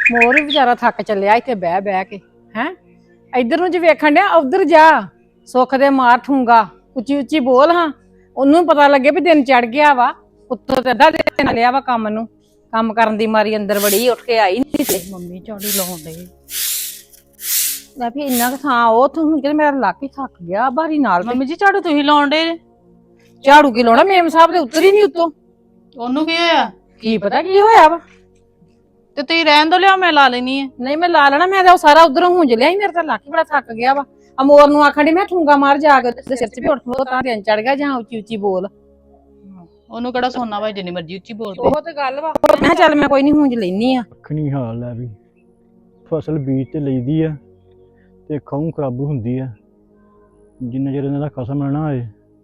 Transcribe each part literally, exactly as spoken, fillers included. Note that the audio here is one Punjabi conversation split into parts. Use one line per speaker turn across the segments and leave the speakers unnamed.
ਮੋਰ ਵੀ ਵਿਚਾਰਾ ਥੱਕ ਚੱਲਿਆ ਇੱਥੇ ਬਹਿ ਬਹਿ ਕੇ ਹੈ। ਇੱਧਰ ਨੂੰ ਜੇ ਵੇਖਣ ਡਿਆ ਉਧਰ ਜਾ, ਸੁੱਖ ਦੇ ਮਾਰ ਠੂੰਗਾ, ਉੱਚੀ ਉੱਚੀ ਬੋਲ ਹਾਂ, ਉਹਨੂੰ ਪਤਾ ਲੱਗੇ ਵੀ ਦਿਨ ਚੜ ਗਿਆ ਵਾ। ਉੱਤੋਂ ਤੇ ਅੱਧਾ ਦਿਨ ਲਿਆ ਵਾ ਕੰਮ ਨੂੰ, ਕੰਮ ਕਰਨ ਦੀ ਮਾਰੀ ਅੰਦਰ ਵੜੀ ਉੱਠ ਕੇ ਆਈ ਨਹੀਂ ਤੇ ਮੰਮੀ ਝਾੜੂ ਲਾਉਣ ਡਈ ਲੈ ਵੀ ਇੰਨਾ ਕੁ ਥਾਂ ਉਹ ਤੂੰ ਹੁਣ ਕਿ ਮੇਰਾ ਲੱਕ ਹੀ ਥੱਕ ਗਿਆ ਬਾਰੀ ਨਾਲ।
ਮੰਮੀ ਜੀ ਝਾੜੂ ਤੁਸੀਂ ਲਾਉਣ ਡੇ?
ਝਾੜੂ ਕੀ ਲਾਉਣਾ, ਮੇਮ ਸਾਹਿਬ ਦੇ ਉੱਤਰ ਹੀ ਨਹੀਂ ਉੱਤੋਂ।
ਉਹਨੂੰ ਕੀ ਹੋਇਆ?
ਕੀ ਪਤਾ ਕੀ ਹੋਇਆ ਵਾ।
ਤੇ ਤੁਸੀਂ ਰਹਿਣ ਦੋ, ਲਿਆ ਮੈਂ ਲਾ ਲੈਣੀ ਹੈ।
ਨਹੀਂ ਮੈਂ ਲਾ ਲੈਣਾ, ਮੈਂ ਤਾਂ ਉਹ ਸਾਰਾ ਉਧਰੋਂ ਹੁੰਜ ਲਿਆ ਸੀ, ਮੇਰੇ ਤਾਂ ਲੱਕ ਹੀ ਬੜਾ ਥੱਕ ਗਿਆ ਵਾ। ਅਮੋਰ ਨੂੰ ਆਖਣ ਡਈ ਮੈਂ ਠੂੰਗਾ ਮਾਰ ਜਾ ਕੇ ਉਹਦੇ ਸਿਰ 'ਚ ਵੀ ਉੱਠ ਖਲੋ ਤਾਂ ਦਿਨ ਚੜ ਗਿਆ, ਜਾਂ ਉੱਚੀ ਉੱਚੀ ਬੋਲ।
ਉਹਨੂੰ ਕਿਹੜਾ ਸੋਨਾ ਵਾ ਜਿੰਨੀ ਮਰਜ਼ੀ ਉੱਚੀ ਬੋਲਦੇ।
ਉਹ ਤੇ ਗੱਲ ਵਾ। ਮੈਂ ਕਿਹਾ ਚੱਲ ਮੈਂ ਕੋਈ ਨਹੀਂ ਹੁੰਜ ਲੈਣੀ ਆ।
ਅੱਖਣੀ ਹਾਲ ਹੈ ਵੀ ਫਸਲ ਬੀਜ ਤੇ ਲਈਦੀ ਆ ਤੇ ਖਾਉ ਖਰਾਬੂ ਹੁੰਦੀ ਆ ਜਿੰਨਾ ਚਿਰ ਇਹਨਾਂ ਦਾ ਖਸਮ ਨਾ ਹੋਏ।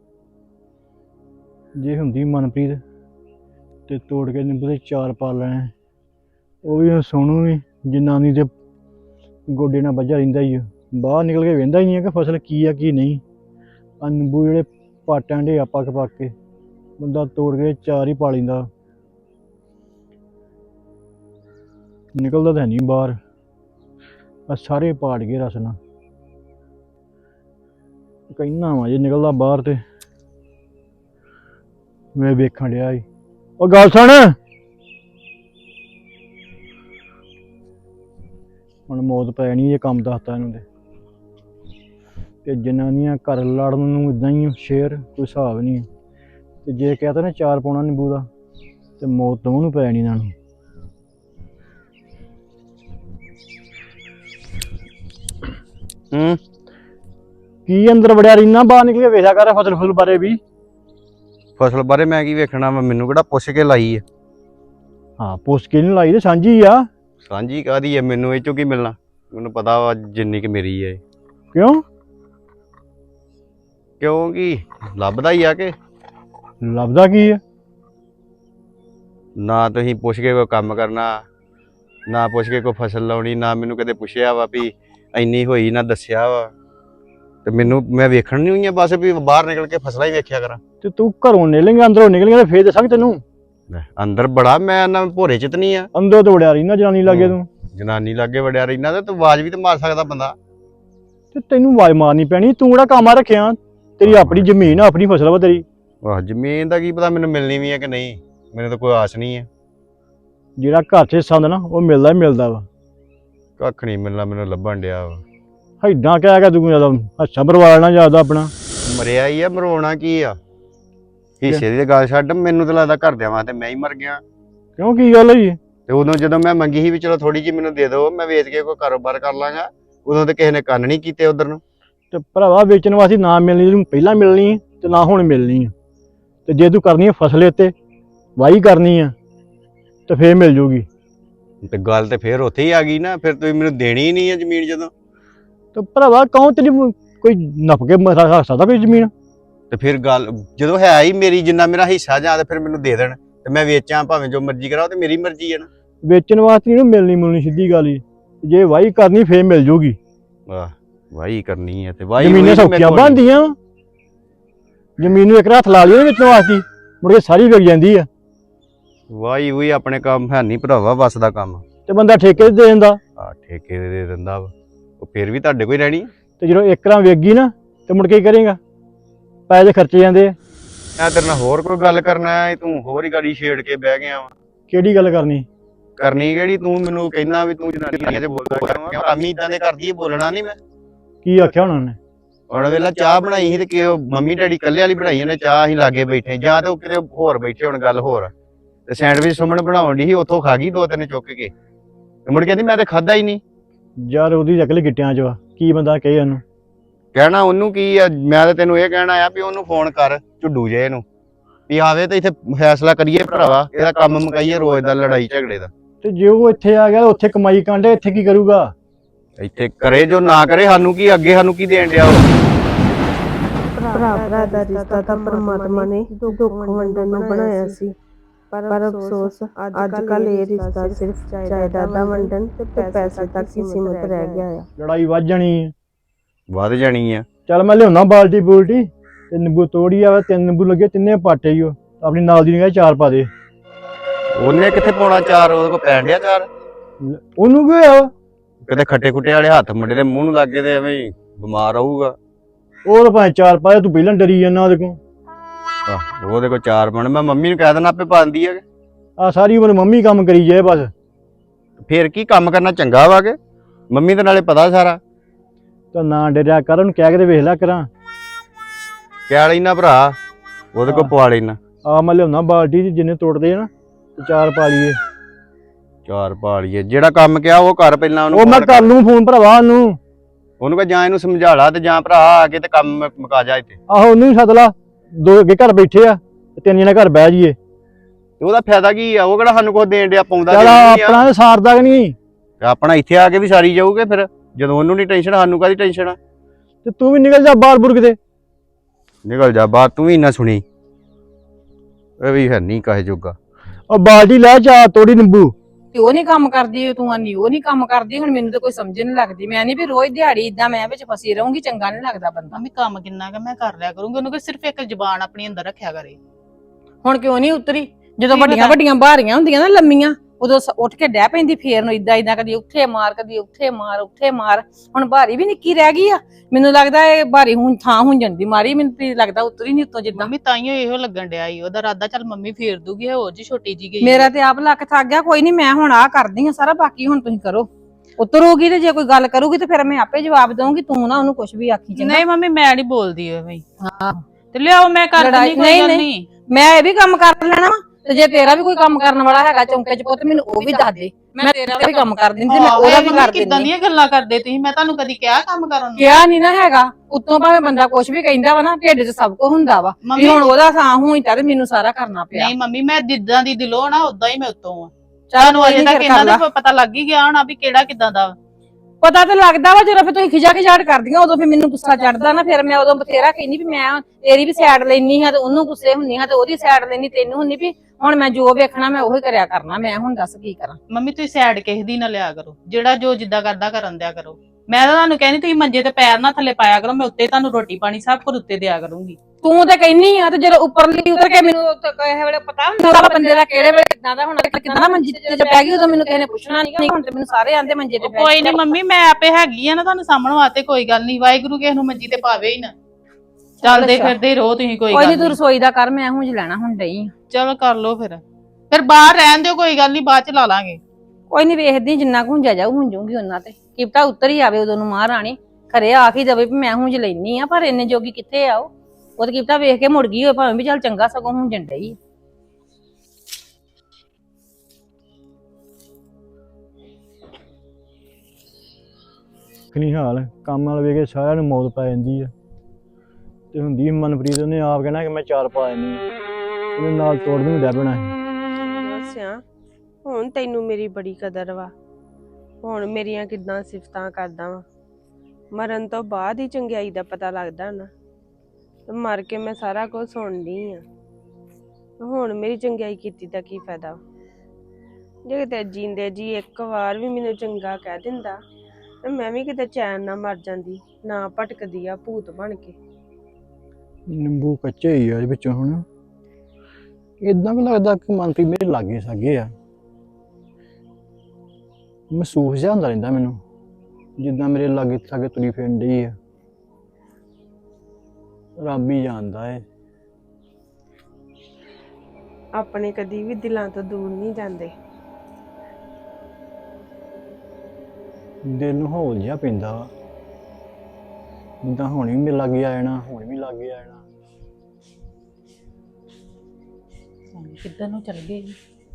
ਜੇ ਹੁੰਦੀ ਮਨਪ੍ਰੀਤ ਤੇ ਤੋੜ ਕੇ ਨਿੰਬੂ ਦੇ ਚਾਰ ਪਾ ਲੈਣੇ, ਉਹ ਵੀ ਸੋਨੂੰ ਵੀ ਜਨਾਨੀ ਦੇ ਗੋਡੇ ਨਾਲ ਵੱਜਾ ਰਹਿੰਦਾ ਹੀ ਆ, ਬਾਹਰ ਨਿਕਲ ਕੇ ਵਹਿੰਦਾ ਹੀ ਨਹੀਂ ਆ ਕਿ ਫਸਲ ਕੀ ਆ ਕੀ ਨਹੀਂ। ਆ ਨਿੰਬੂ ਜਿਹੜੇ ਪਾਟਾਂ ਦੇ ਆ ਪੱਕ ਪੱਕ ਕੇ ਬੰਦਾ ਤੋੜ ਕੇ ਚਾਰ ਹੀ ਪਾ ਲੈਂਦਾ, ਨਿਕਲਦਾ ਤਾਂ ਨਹੀਂ ਬਾਹਰ। ਆ ਸਾਰੇ ਪਾੜ ਗਏ ਰਸ ਨਾਲ, ਕਹਿਣਾ ਵਾ ਜੇ ਨਿਕਲਦਾ ਬਾਹਰ ਤੇ ਮੈਂ ਵੇਖਣ ਡਿਆ ਸੀ। ਉਹ ਗੱਲ ਸੁਣ, ਹੁਣ ਮੌਤ ਪੈ ਨਹੀਂ ਇਹ ਕੰਮ ਦੱਸਤਾ ਇਹਨੂੰ ਤੇ ਤੇ ਜਨਾਨੀਆਂ ਘਰ ਲੜਨ ਨੂੰ ਇਦਾਂ ਹੀ ਸ਼ੇਰ ਕੋਈ ਹਿਸਾਬ ਨਹੀਂ। ਤੇ ਜੇ ਕਹਿ ਤਾ ਨਾ ਚਾਰ ਪਾਉਣਾ ਨਿੰਬੂ ਦਾ ਤੇ ਮੌਤ ਦੋਵਾਂ ਨੂੰ ਪੈ ਨਹੀਂ ਇਹਨਾਂ ਨੂੰ।
ਹੂੰ
ਕੀ ਅੰਦਰ ਵੜਿਆ ਰਹਿਣਾ, ਬਾਹਰ ਨਿਕਲ ਕੇ ਵੇਖਿਆ ਕਰ ਫਸਲ ਫੁੱਲ ਬਾਰੇ ਵੀ।
ਫਸਲ ਬਾਰੇ ਮੈਂ ਕੀ ਵੇਖਣਾ ਵਾ, ਮੈਨੂੰ ਕਿਹੜਾ ਪੁੱਛ ਕੇ ਲਾਈ ਆ।
ਹਾਂ ਪੁੱਛ ਕੇ ਨਹੀਂ ਲਾਈ ਤੇ ਸਾਂਝੀ ਆ।
ਸਾਂਝੀ ਕਾਹਦੀ ਆ, ਮੈਨੂੰ ਇਹ ਚੋਂ ਕੀ ਮਿਲਣਾ, ਮੈਨੂੰ ਪਤਾ ਵਾ ਜਿੰਨੀ ਕਿ ਮੇਰੀ ਹੈ।
ਕਿਉਂ?
ਕਿਉਂਕਿ ਲੱਭਦਾ ਹੀ ਆ ਕਿ
ਲੱਭਦਾ ਕੀ ਆ?
ਨਾ ਤੁਸੀਂ ਪੁੱਛ ਕੇ ਕੋਈ ਕੰਮ ਕਰਨਾ, ਨਾ ਪੁੱਛ ਕੇ ਕੋਈ ਫਸਲ ਲਾਉਣੀ, ਨਾ ਮੈਨੂੰ ਕਦੇ ਪੁੱਛਿਆ ਵਾ ਵੀ ਇੰਨੀ ਹੋਈ, ਨਾ ਦੱਸਿਆ ਵਾ। ਤੇ ਮੈਨੂੰ ਮੈਂ ਵੇਖਣ ਨਹੀਂ ਹੋਈ ਆ ਬਸ ਵੀ ਬਾਹਰ ਨਿਕਲ ਕੇ ਫਸਲਾਂ ਹੀ ਵੇਖਿਆ ਕਰਾਂ।
ਤੇ ਤੂੰ ਘਰੋਂ ਨਿਕਲੇਂਗਾ ਅੰਦਰੋਂ ਨਿਕਲੇਂਗਾ ਤੇ ਫੇਰ ਦੱਸਾਂਗੇ ਤੈਨੂੰ।
ਅੰਦਰ ਬੜਾ ਮੈਂ ਨਾ ਭੋਰੇ ਚ ਨਹੀਂ ਆ,
ਅੰਦਰੋਂ ਤੇ ਵੜਿਆ ਰਹਿਣਾ ਜਨਾਨੀ ਲਾਗੇ ਤੂੰ।
ਜਨਾਨੀ ਲਾਗੇ ਵੜਿਆ ਰਹਿਣਾ ਤੇ ਤੂੰ ਆਵਾਜ਼ ਵੀ ਤੇ ਮਾਰ ਸਕਦਾ ਬੰਦਾ।
ਤੇ ਤੈਨੂੰ ਆਵਾਜ਼ ਮਾਰਨੀ ਪੈਣੀ, ਤੂੰ ਕਿਹੜਾ ਕੰਮ ਆ ਰੱਖਿਆ? ਤੇਰੀ ਆਪਣੀ ਜ਼ਮੀਨ ਆ, ਆਪਣੀ ਫਸਲ ਵਾ ਤੇਰੀ।
ਵਾਹ ਜ਼ਮੀਨ ਦਾ ਕੀ ਪਤਾ ਮੈਨੂੰ ਮਿਲਣੀ ਵੀ ਹੈ ਕਿ ਨਹੀਂ, ਮੈਨੂੰ ਤਾਂ ਕੋਈ ਆਸ ਨਹੀਂ ਹੈ।
ਜਿਹੜਾ ਘਰ 'ਚ ਹਿੱਸਾ ਹੁੰਦਾ ਨਾ ਉਹ ਮਿਲਦਾ ਹੀ ਮਿਲਦਾ ਵਾ।
ਕੱਖ ਨਹੀਂ ਮਿਲਣਾ, ਮੈਨੂੰ ਲੱਭਣ ਡਿਆ ਵਾ।
ਏਦਾਂ ਕਹਿ ਕੇ ਤੂੰ ਜਿਆਦਾ ਹੱਛਾ ਬਰਵਾ ਲੈਣਾ ਜਿਆਦਾ ਆਪਣਾ।
ਮਰਿਆ ਹੀ ਆ, ਮਰਵਾਉਣਾ ਕੀ ਆ? ਹਿੱਸੇ ਦੀ ਗੱਲ ਛੱਡ, ਮੈਨੂੰ ਤਾਂ ਲੱਗਦਾ ਘਰਦਿਆਂ ਵਾਸਤੇ ਮੈਂ ਹੀ ਮਰ ਗਿਆ।
ਕਿਉਂ ਕੀ ਗੱਲ ਹੋਈ?
ਤੇ ਉਦੋਂ ਜਦੋਂ ਮੈਂ ਮੰਗੀ ਸੀ ਵੀ ਚਲੋ ਥੋੜੀ ਜਿਹੀ ਮੈਨੂੰ ਦੇ ਦਿਓ, ਮੈਂ ਵੇਚ ਕੇ ਕੋਈ ਕਾਰੋਬਾਰ ਕਰ ਲਾਂਗਾ, ਉਦੋਂ ਤੇ ਕਿਸੇ ਨੇ ਕੰਨ ਨਹੀਂ ਕੀਤੇ ਉਧਰ ਨੂੰ।
ਤੇ ਭਰਾਵਾ ਵੇਚਣ ਵਾਸਤੇ ਨਾ ਮਿਲਣੀ ਤੈਨੂੰ ਪਹਿਲਾਂ ਮਿਲਣੀ ਤੇ ਨਾ ਹੁਣ ਮਿਲਣੀ ਆ। ਤੇ ਜੇ ਤੂੰ ਕਰਨੀ ਆ ਫਸਲ ਉੱਤੇ ਵਾਹੀ ਕਰਨੀ ਆ ਤੇ ਫੇਰ ਮਿਲ ਜੂਗੀ।
ਤੇ ਗੱਲ ਤੇ ਫੇਰ ਉੱਥੇ ਹੀ ਆ ਗਈ ਨਾ, ਫਿਰ ਤੁਸੀਂ ਮੈਨੂੰ ਦੇਣੀ ਹੀ ਨਹੀਂ ਹੈ ਜ਼ਮੀਨ ਜਦੋਂ।
ਤੇ ਭਰਾਵਾ ਕੌਣ ਤੇਰੀ ਕੋਈ ਨੱਪ ਕੇ ਰੱਖ ਸਕਦਾ ਕੋਈ ਜ਼ਮੀਨ?
ਤੇ ਫਿਰ ਗੱਲ ਜਦੋਂ ਹੈ ਹੀ ਮੇਰੀ, ਜਿੰਨਾ ਮੇਰਾ ਹਿੱਸਾ ਜਾਂ ਤੇ ਫਿਰ ਮੈਨੂੰ ਦੇ ਦੇਣ ਤੇ ਮੈਂ ਵੇਚਾਂ, ਭਾਵੇਂ ਜੋ ਮਰਜ਼ੀ ਕਰਾਂ, ਤੇ ਮੇਰੀ ਮਰਜ਼ੀ ਹੈ ਨਾ।
ਵੇਚਣ ਵਾਸਤੇ ਇਹਨੂੰ ਮਿਲਣੀ ਮਿਲਣੀ ਸਿੱਧੀ ਗੱਲ ਹੀ। ਜੇ ਵਾਹੀ ਕਰਨੀ ਫੇਰ ਮਿਲ ਜੂਗੀ।
ਵਾਹ ਵਾਹੀ ਕਰਨੀ ਹੈ ਤੇ ਵਾਹੀ
ਜ਼ਮੀਨਾਂ ਸੌਖੀਆਂ ਬਣਦੀਆਂ, ਜ਼ਮੀਨ ਨੂੰ ਇੱਕ ਹੱਥ ਲਾ ਲਈ ਵੇਚਣ ਵਾਸਤੇ ਮੁੜ ਕੇ ਸਾਰੀ ਵਿਕ ਜਾਂਦੀ ਆ।
ਵਾਹੀ ਉਹੀ ਆਪਣੇ ਕੰਮ ਹੈ ਨਹੀਂ ਭਰਾਵਾ, ਵੱਸ ਦਾ ਕੰਮ
ਤੇ ਬੰਦਾ ਠੇਕੇ ਤੇ ਦੇ ਦਿੰਦਾ।
ਆ ਠੇਕੇ ਦੇ ਦਿੰਦਾ ਵਾ, ਉਹ ਫਿਰ ਵੀ ਤੁਹਾਡੇ ਕੋਈ ਰਹਿਣੀ।
ਤੇ ਜਦੋਂ ਏਕੜਾਂ ਵਿਕ ਗਈ ਨਾ ਤੇ ਮੁੜ ਕੇ ਕੀ ਕਰੇਗਾ? ਪੈਸੇ ਖਰਚੇ ਜਾਂਦੇ ਆ।
ਮੈਂ ਤੇਰੇ ਨਾਲ ਹੋਰ ਕੋਈ ਗੱਲ ਕਰਨਾ ਹੈ, ਤੂੰ ਹੋਰ ਹੀ ਗਾੜੀ ਛੇੜ ਕੇ ਬਹਿ ਗਿਆ ਵਾ।
ਕਿਹੜੀ ਗੱਲ ਕਰਨੀ?
ਕਰਨੀ ਕਿਹੜੀ? ਤੂੰ ਮੈਨੂੰ ਕਹਿੰਦਾ ਵੀ ਤੂੰ ਜਨਾਨੀਆਂ ਤੇ ਬੋਲਦਾ ਕਿਉਂ? ਆਮੀ ਇਦਾਂ ਦੇ ਕਰਦੀ ਹੈ, ਬੋਲਣਾ ਨਹੀਂ ਮੈਂ।
ਕੀ ਆਖਿਆ ਉਹਨਾਂ ਨੇ?
ਹੁਣ ਵੇਲਾ ਚਾਹ ਬਣਾਈ ਸੀ ਤੇ ਕਿ ਮੰਮੀ ਡੈਡੀ ਇਕੱਲੇ ਵਾਲੀ ਬਣਾਈ ਉਹਨੇ ਚਾਹ, ਅਸੀਂ ਲਾਗੇ ਬੈਠੇ, ਜਾਂ ਤੇ ਉਹ ਕਿਤੇ ਹੋਰ ਬੈਠੇ ਹੁਣ ਗੱਲ ਹੋਰ। ਤੇ ਸੈਂਡਵਿਚ ਸੁਮਨ ਬਣਾਉਣ ਦੀ ਸੀ, ਉੱਥੋਂ ਖਾ ਗਈ ਦੋ ਤਿੰਨ ਚੁੱਕ ਕੇ, ਤੇ ਮੁੜ ਕਹਿੰਦੀ ਮੈਂ ਤੇ ਖਾਦਾ ਹੀ ਨਹੀਂ।
ਯਾਰ ਉਹਦੀ ਅਕਲ ਗਿੱਟਿਆਂ 'ਚ ਵਾ, ਕੀ ਬੰਦਾ ਕਹੇ ਉਹਨੂੰ?
ਕਹਿਣਾ ਉਹਨੂੰ ਕੀ ਆ, ਮੈਂ ਤਾਂ ਤੈਨੂੰ ਇਹ ਕਹਿਣਾ ਆ ਵੀ ਉਹਨੂੰ ਫੋਨ ਕਰ ਝੁੱਡੂ ਜੇ ਨੂੰ ਵੀ ਆਵੇ ਤੇ ਇੱਥੇ ਫੈਸਲਾ ਕਰੀਏ ਭਰਾਵਾ, ਇਹਦਾ ਕੰਮ ਮੁਕਾਈਏ ਰੋਜ਼ ਦਾ ਲੜਾਈ ਝਗੜੇ ਦਾ।
ਤੇ ਜੇ ਉਹ ਇੱਥੇ ਆ ਗਿਆ ਉੱਥੇ ਕਮਾਈ ਕਾਂਡੇ, ਇੱਥੇ ਕੀ ਕਰੂਗਾ?
ਇੱਥੇ ਕਰੇ ਜੋ ਨਾ ਕਰੇ, ਸਾਨੂੰ ਕੀ ਅੱਗੇ, ਸਾਨੂੰ ਕੀ ਦੇਣ ਡਿਆ ਉਹ?
ਭਰਾ ਭਰਾ ਦਾ ਰਿਸ਼ਤਾ ਤਾਂ ਪਰਮਾਤਮਾ ਨੇ ਦੁੱਖ ਵੰਡਣ ਨੂੰ ਬਣਾਇਆ ਸੀ, ਪਰ ਅਫਸੋਸ ਅੱਜ ਕੱਲ ਇਹ ਰਿਸ਼ਤਾ ਸਿਰਫ ਜਾਇਦਾਦਾਂ ਵੰਡਣ ਤੇ ਪੈਸੇ ਤੱਕ ਹੀ ਸੀਮਿਤ ਰਹਿ ਗਿਆ ਆ।
ਲੜਾਈ ਵੱਧ ਜਾਣੀ ਹੈ।
ਵੱਧ ਜਾਣੀ ਆ।
ਚੱਲ ਮੈਂ ਲਿਆਉਣਾ ਬਾਲਟੀ ਬੂਲਟੀ ਤੇ ਨਿੰਬੂ ਤੋੜੀ ਆ, ਤਿੰਨ ਨਿੰਬੂ ਲੱਗੇ, ਤਿੰਨੇ ਪਾਟੇ ਹੀ ਉਹ ਆਪਣੀ ਨਾਲ ਦੀ ਨੇ ਚਾਰ ਪਾ ਦੇ।
ਉਹਨੇ ਕਿੱਥੇ ਪਾਉਣਾ ਚਾਰ, ਉਹਦੇ ਕੋਲ ਪੈਣ ਡਿਆ ਚਾਰ।
ਉਹਨੂੰ ਕੀ ਹੋਇਆ ਵਾ?
ਕਿਤੇ ਖੱਟੇ ਖੁੱਟੇ ਵਾਲੇ ਹੱਥ ਮੁੰਡੇ ਦੇ ਮੂੰਹ ਨੂੰ ਲੱਗੇ ਤੇ ਐਵੇਂ ਹੀ ਬਿਮਾਰ ਰਹੂਗਾ।
ਉਹ ਤਾਂ ਭਾਵੇਂ ਚਾਰ ਪਾਇਆ, ਤੂੰ ਪਹਿਲਾਂ ਡਰੀ ਜਾਂਦਾ ਉਹਦੇ ਕੋਲ।
ਆਹ, ਉਹਦੇ ਕੋਲ ਚਾਰ ਬਣ, ਮੈਂ ਮੰਮੀ ਨੂੰ ਕਹਿ ਦੇਣਾ ਆਪੇ ਪਾਉਂਦੀ ਹੈ।
ਆ ਸਾਰੀ ਉਮਰ ਮੰਮੀ ਕੰਮ ਕਰੀ ਜਾਏ ਬਸ।
ਫੇਰ ਕੀ ਕੰਮ ਕਰਨਾ ਚੰਗਾ ਵਾ ਕਿ ਮੰਮੀ ਦੇ ਨਾਲੇ ਪਤਾ ਸਾਰਾ।
ਤਾਂ ਨਾ ਡਰਿਆ ਕਰ, ਉਹਨੂੰ ਕਹਿ ਕੇ ਤੇ ਵੇਖ ਲਿਆ ਕਰਾਂ।
ਕਹਿ ਲੈਣਾ ਭਰਾ, ਉਹਦੇ ਕੋਲ ਪਵਾ ਲੈਣਾ।
ਆ ਮੈਂ ਲਿਆਉਣਾ ਬਾਲਟੀ ਚ ਜਿੰਨੇ ਤੋੜਦੇ ਆ ਨਾ, ਤੇ ਚਾਰ ਪਾ ਲਈਏ।
ਚਾਰ ਪਾ ਲਈਏ, ਜਿਹੜਾ ਕੰਮ ਕਿਹਾ ਉਹ ਕਰ ਪਹਿਲਾਂ। ਉਹਨੂੰ
ਉਹ ਮੈਂ
phone
ਕਰ ਲੂੰ ਫੋਨ ਭਰਾਵਾ ਉਹਨੂੰ।
ਉਹਨੂੰ ਕਹ ਜਾਂ ਇਹਨੂੰ ਸਮਝਾ ਲਾ ਤੇ ਜਾਂ ਭਰਾ ਆ ਕੇ ਤੇ ਕੰਮ ਮੁਕਾ ਜਾ ਇੱਥੇ।
ਆਹੋ ਉਹਨੂੰ ਵੀ ਸੱਦ ਲਾ, ਦੋ ਅੱਗੇ ਘਰ ਬੈਠੇ ਆ ਤੇ ਤਿੰਨ ਜਣੇ ਘਰ ਬਹਿ ਜਾਈਏ।
ਤੇ ਉਹਦਾ ਫਾਇਦਾ ਕੀ ਆ? ਉਹ ਕਿਹੜਾ ਸਾਨੂੰ ਕੁਝ ਦੇਣ ਡਿਆ, ਪਾਉਂਦਾ
ਚੱਲ
ਤੇ ਨਹੀਂ ਆ।
ਆਪਣਾ ਤੇ ਸਾਰਦਾ ਕਿ ਨਹੀਂ?
ਤੇ ਆਪਣਾ ਇੱਥੇ ਆ ਕੇ ਵੀ ਸਾਰੀ ਜਾਊਗੇ ਫਿਰ, ਜਦੋਂ ਉਹਨੂੰ ਨਹੀਂ ਟੈਨਸ਼ਨ ਸਾਨੂੰ ਕਾਹਦੀ ਟੈਨਸ਼ਨ ਆ?
ਤੇ ਤੂੰ ਵੀ ਨਿਕਲ ਜਾ ਬਾਹਰ ਬੁਰ ਕਿਤੇ।
ਨਿਕਲ ਜਾ ਬਾਹਰ, ਤੂੰ ਵੀ ਨਾ ਸੁਣੀ। ਇਹ ਵੀ ਹੈ ਨਹੀਂ ਕਾਹੇ ਜੋਗਾ।
ਉਹ ਬਾਲਟੀ ਲੈ ਜਾ, ਤੋੜੀ ਨਿੰਬੂ।
ਤੇ ਉਹ ਨਹੀਂ ਕੰਮ ਕਰਦੀ, ਤੂੰ ਆਨੀ ਉਹ ਨਹੀਂ ਕੰਮ ਕਰਦੀ। ਹੁਣ ਮੈਨੂੰ ਤਾਂ ਕੋਈ ਸਮਝ ਨਹੀਂ ਲੱਗਦੀ। ਮੈਂ ਨਹੀਂ ਵੀ ਰੋਜ਼ ਦਿਹਾੜੀ ਇਦਾਂ ਮੈਂ ਵਿੱਚ ਫਸੀ ਰਹੂੰਗੀ, ਚੰਗਾ ਨਹੀਂ ਲੱਗਦਾ ਬੰਦਾ।
ਮੰਮੀ ਕੰਮ ਕਿੰਨਾ ਕਿ ਮੈਂ ਕਰ ਲਿਆ ਕਰੂੰਗੀ, ਉਹਨੂੰ ਕੋਈ ਸਿਰਫ ਇੱਕ ਜ਼ਬਾਨ ਆਪਣੀ ਅੰਦਰ ਰੱਖਿਆ ਕਰੇ।
ਹੁਣ ਕਿਉਂ ਨਹੀਂ ਉਤਰੀ? ਜਦੋਂ
ਕੀ
ਵੱਡੀਆਂ
ਪਤਾ?
ਵੱਡੀਆਂ ਬਾਰੀਆਂ ਹੁੰਦੀਆਂ ਨਾ ਲੰਮੀਆਂ, ਉਦੋਂ ਸ- ਉੱਠ ਕੇ ਡਹਿ ਪੈਂਦੀ ਫੇਰ ਨੂੰ ਇਦਾਂ ਇਦਾਂ, ਕਦੀ ਉੱਥੇ ਮਾਰ ਕਦੀ ਉੱਥੇ ਮਾਰ ਉੱਥੇ ਮਾਰ। ਹੁਣ ਬਾਰੀ ਵੀ ਨਿੱਕੀ ਰਹਿ ਗਈ ਆ। ਮੈਨੂੰ ਲੱਗਦਾ ਇਹ ਬਾਰੀ ਹੁਣ ਥਾਂ ਹੁੰਜਣ ਦੀ ਮਾਰੀ, ਮੈਨੂੰ ਤੇ ਲੱਗਦਾ ਉਤਰੀ ਨਹੀਂ ਉੱਤੋਂ ਜਿੱਦਾਂ।
ਮੰਮੀ ਤਾਈਓ ਇਹੋ ਲੱਗਣ ਡਿਆ ਈ, ਉਹਦਾ ਰਾਦਾ ਚੱਲ ਮੰਮੀ ਫੇਰ ਦੂਗੀ, ਹੋਰ ਜੀ ਛੋਟੀ ਜੀ ਗਈ।
ਮੇਰਾ ਤੇ ਆਪ ਲੱਕ ਥੱਕ ਗਿਆ। ਕੋਈ ਨਹੀਂ, ਮੈਂ ਹੁਣ ਆਹ ਕਰਦੀ ਆ ਸਾਰਾ, ਬਾਕੀ ਹੁਣ ਤੁਸੀਂ ਕਰੋ। ਉਤਰੂਗੀ ਤੇ ਜੇ ਕੋਈ ਗੱਲ ਕਰੂਗੀ ਤੇ ਫਿਰ ਮੈਂ ਆਪੇ ਜਵਾਬ ਦਊਂਗੀ। ਤੂੰ ਨਾ ਉਹਨੂੰ ਕੁਝ ਵੀ ਆਖੀ ਚੰਗਾ।
ਨਹੀਂ ਮੰਮੀ ਮੈਂ ਨਹੀਂ ਬੋਲਦੀ ਐ ਬਈ।
ਹਾਂ,
ਤੇ ਲਿਆਓ ਮੈਂ ਕਰ
ਲੜਾਈ-
ਦਿੰਦੀ, ਕੋਈ
ਨਹੀਂ,
ਗੱਲ
ਨਹੀਂ।
ਨਹੀਂ।
ਮੈਂ ਇਹ ਵੀ ਕੰਮ ਕਰ ਲੈਣਾ ਵਾ, ਤੇ ਜੇ ਤੇਰਾ ਵੀ ਕੋਈ ਕੰਮ ਕਰਨ ਵਾਲਾ ਹੈਗਾ ਚੌਂਕੇ ਚ ਪੁੱਤ, ਮੈਨੂੰ ਉਹ ਵੀ ਦੱਸ ਦੇ। ਮੈਂ ਤੇਰਾ ਵੀ ਕੰਮ ਕਰ ਦਿੰਦੀ, ਮੈਂ ਉਹਦਾ ਵੀ ਕਰ
ਕਿੱਦਾਂ
ਦਿੰਦੀ।
ਦੀਆਂ ਗੱਲਾਂ ਕਰਦੇ ਤੁਸੀਂ? ਮੈਂ ਤੁਹਾਨੂੰ ਕਦੀ ਕਿਹਾ ਕੰਮ ਕਰਨ ਨੂੰ?
ਕਿਹਾ ਨਹੀਂ ਨਾ ਹੈਗਾ। ਉੱਤੋਂ ਭਾਵੇਂ ਬੰਦਾ ਕੁਝ ਵੀ ਕਹਿੰਦਾ ਵਾ ਨਾ, ਢਿੱਡ 'ਚ ਸਭ ਕੁਝ ਹੁੰਦਾ ਵਾ। ਵੀ
ਮੰਮੀ
ਹੁਣ ਉਹਦਾ ਥਾਂ ਹੋਈ ਤਾਂ ਤੇ ਮੈਨੂੰ ਸਾਰਾ ਕਰਨਾ ਪਿਆ।
ਨਹੀਂ ਮੰਮੀ, ਮੈਂ ਜਿੱਦਾਂ ਦੀ ਦਿਲੋਂ ਨਾ ਉਦਾਂ ਹੀ ਮੈਂ ਉੱਤੋਂ ਆ।
ਚੱਲ
ਤੁਹਾਨੂੰ ਅਜੇ
ਕੋਈ ਨੀ,
ਤੱਕ
ਫਿਰ
ਇਹਨਾਂ
ਕਰ ਲਾ।
ਦਾ ਪਤਾ ਲੱਗ ਹੀ ਗਿਆ ਹੋਣਾ ਵੀ ਕਿਹੜਾ ਕਿੱਦਾਂ ਦਾ।
ਪਤਾ ਤੇ ਲੱਗਦਾ ਵਾ ਜਦੋਂ ਫਿਰ ਤੁਸੀਂ ਖਿਜਾ ਖਿਜਾੜ ਕਰਦੀਆਂ, ਉਦੋਂ ਫਿਰ ਮੈਨੂੰ ਗੁੱਸਾ ਚੜਦਾ ਨਾ। ਫਿਰ ਮੈਂ ਉਦੋਂ ਬਥੇਰਾ ਕਹਿੰਦੀ ਵੀ ਮੈਂ ਤੇਰੀ ਵੀ ਸਾਈਡ ਲੈਣੀ ਹਾਂ, ਤੇ ਉਹਨੂੰ ਗੁੱਸੇ ਹੁੰਨੀ ਹਾਂ, ਤੇ ਉਹਦੀ ਸਾਈਡ ਲੈਣੀ ਤੈਨੂੰ ਹੁੰਨੀ ਵੀ ਹੁਣ ਮੈਂ ਜੋ ਵੇਖਣਾ ਮੈਂ ਉਹੀ ਕਰਿਆ ਕਰਨਾ। ਮੈਂ ਹੁਣ ਦੱਸ ਕੀ ਕਰਾਂ?
ਮੰਮੀ ਤੁਸੀਂ ਸਾਈਡ ਕਿਸੇ ਦੀ ਨਾ ਲਿਆ ਕਰੋ, ਜਿਹੜਾ ਜੋ ਜਿੱਦਾਂ ਕਰਦਾ ਕਰਨ ਦਿਆ ਕਰੋ। ਮੈਂ ਤਾਂ ਤੁਹਾਨੂੰ ਕਹਿੰਦੀ ਤੁਸੀਂ ਮੰਜੇ ਤੇ ਪੈਰ ਨਾ ਥੱਲੇ ਪਾਇਆ ਕਰੋ, ਮੈਂ ਉੱਤੇ ਤੁਹਾਨੂੰ ਰੋਟੀ ਪਾਣੀ ਸਭ ਕੁਝ ਉੱਤੇ ਦਿਆ ਕਰੂੰਗੀ।
ਤੂੰ ਤੇ ਕਹਿੰਨੀ ਆ, ਤੇ ਜਦੋਂ ਉੱਪਰਲੀ ਉਤਰ ਕੇ ਮੈਨੂੰ ਕਿਸੇ ਵੇਲੇ ਪਤਾ ਹੁੰਦਾ ਵਾ ਬੰਦੇ ਦਾ ਕਿਹੜੇ ਵੇਲੇ ਕਿੱਦਾਂ ਦਾ ਹੋਣਾ, ਕਿੱਦਾਂ ਮੰਜੀ ਤੇ ਪੈ ਗਈ ਉਦੋਂ ਮੈਨੂੰ ਕਿਸੇ ਨੇ ਪੁੱਛਣਾ ਨਹੀਂ। ਹੁਣ ਤੇ ਮੈਨੂੰ ਸਾਰੇ ਆਂਦੇ ਮੰਜੇ ਤੇ ਪੈ
ਕੋਈ ਨਹੀਂ ਮੰਮੀ, ਮੈਂ ਆਪੇ ਹੈਗੀ ਆ ਨਾ ਤੁਹਾਨੂੰ ਸਾਹਮਣ ਵਾਸਤੇ, ਕੋਈ ਗੱਲ ਨਹੀਂ। ਵਾਹਿਗੁਰੂ ਕਿਸੇ ਨੂੰ ਮੰਜੀ ਤੇ ਪਾਵੇ ਹੀ ਨਾ। ਚੱਲਦੇ ਫਿਰਦੇ ਰਹੋ ਤੁਸੀਂ, ਕੋਈ
ਕੋਈ
ਗੱਲ
ਨਹੀਂ। ਤੂੰ
ਨਹੀਂ।
ਰਸੋਈ ਦਾ ਕਰ, ਮੈਂ ਹੁਣ ਲੈਣਾ ਹੁਣ ਡਈ।
ਚਲੋ ਕਰ ਲਓ ਫਿਰ। ਫਿਰ ਬਾਹਰ ਰਹਿਣ ਦਿਓ, ਕੋਈ ਗੱਲ ਨਹੀਂ, ਬਾਅਦ ਚ ਲਾ ਲਾਂਗੇ।
ਕੋਈ ਨਹੀਂ, ਵੇਖਦੀ ਜਿੰਨਾ ਕੁ ਹੁੰਜਾ ਜਾਊ ਹੁੰਜੂਗੀ ਉਹਨਾਂ ਤੇ। ਕੀ ਪਤਾ ਉੱਤਰ ਹੀ ਆਵੇ ਉਦੋਂ ਨੂੰ ਮਹਾਰਾਣੀ, ਖਰੇ ਆਖ ਹੀ ਦਵੇ ਵੀ ਮੈਂ ਹੁੰਜ ਲੈਣੀ ਆ, ਪਰ ਇੰਨੇ ਜੋਗੀ ਕਿੱਥੇ ਆਓ। ਉਹ ਤੇ ਕੀ ਪਤਾ ਵੇਖ ਕੇ ਮੁੜ ਗਈ ਹੋਏ, ਭਾਵੇਂ ਵੀ ਚੱਲ ਚੰਗਾ ਸਗੋਂ ਹੁੰਜਣ ਡਈ।
ਨਹੀਂ ਹਾਲ ਕੰਮ ਵਾਲ ਵੇਖ ਕੇ ਸਾਰਿਆਂ ਨੂੰ ਮੌਤ ਪੈ ਜਾਂਦੀ ਆ। ਤੇ ਹੁੰਦੀ ਮਨਪ੍ਰੀਤ, ਉਹਨੇ ਆਪ ਕਹਿਣਾ ਕਿ ਮੈਂ ਚਾਰ ਪਾ ਦਿੰਦੀ ਆ, ਉਹਨੇ ਨਾਲ ਤੋੜ ਨੂੰ ਡੈ ਪੈਣਾ ਸੀ।
ਦੱਸਿਆ ਹੁਣ ਤੈਨੂੰ ਮੇਰੀ ਬੜੀ ਕਦਰ ਵਾ। ਹੁਣ ਮੇਰੀਆਂ ਕਿੱਦਾਂ ਸਿਫਤਾਂ ਕਰਦਾ ਵਾ। ਮਰਨ ਤੋਂ ਬਾਅਦ ਹੀ ਚੰਗਿਆਈ ਦਾ ਪਤਾ ਲੱਗਦਾ ਨਾ। ਤੇ ਮਰ ਕੇ ਮੈਂ ਸਾਰਾ ਕੁਝ ਸੁਣਦੀ ਆ। ਹੁਣ ਮੇਰੀ ਚੰਗਿਆਈ ਕੀਤੀ ਦਾ ਕੀ ਫਾਇਦਾ? ਜੇ ਕਿਤੇ ਜੀਂਦੇ ਜੀ ਇੱਕ ਵਾਰ ਵੀ ਮੈਨੂੰ ਚੰਗਾ ਕਹਿ ਦਿੰਦਾ, ਤੇ ਮੈਂ ਵੀ ਕਿਤੇ ਚੈਨ ਨਾ ਮਰ ਜਾਂਦੀ, ਨਾ ਭਟਕਦੀ ਆ ਭੂਤ ਬਣ ਕੇ।
ਨਿੰਬੂ ਕੱਚੇ ਹੀ ਆ ਇਹਦੇ ਵਿੱਚੋਂ। ਹੁਣ ਇਦਾਂ ਵੀ ਲੱਗਦਾ ਕਿ ਮਨਪ੍ਰੀਤ ਮੇਰੇ ਲਾਗੇ ਸਾਗੇ ਆ। ਮਹਿਸੂਸ ਜਿਹਾ ਹੁੰਦਾ ਰਹਿੰਦਾ ਮੈਨੂੰ, ਜਿੱਦਾਂ ਮੇਰੇ ਲਾਗੇ ਸਾਗੇ ਤੁਰੀ ਫਿਰਨ ਡਈ ਆ। ਰੱਬ ਹੀ ਜਾਣਦਾ ਏ।
ਆਪਣੇ ਕਦੀ ਵੀ ਦਿਲਾਂ ਤੋਂ ਦੂਰ ਨਹੀਂ ਜਾਂਦੇ।
ਦਿਲ ਨੂੰ ਹੌਲ ਜਿਹਾ ਪੈਂਦਾ ਵਾ, ਜਿੱਦਾਂ ਹੁਣ ਵੀ ਮੇਰੇ ਲਾਗੇ ਆ ਜਾਣਾ, ਹੁਣ ਵੀ ਲਾਗੇ ਆ ਜਾਣਾ।
ਕਿੱਧਰ ਨੂੰ ਚੱਲ ਗਏ?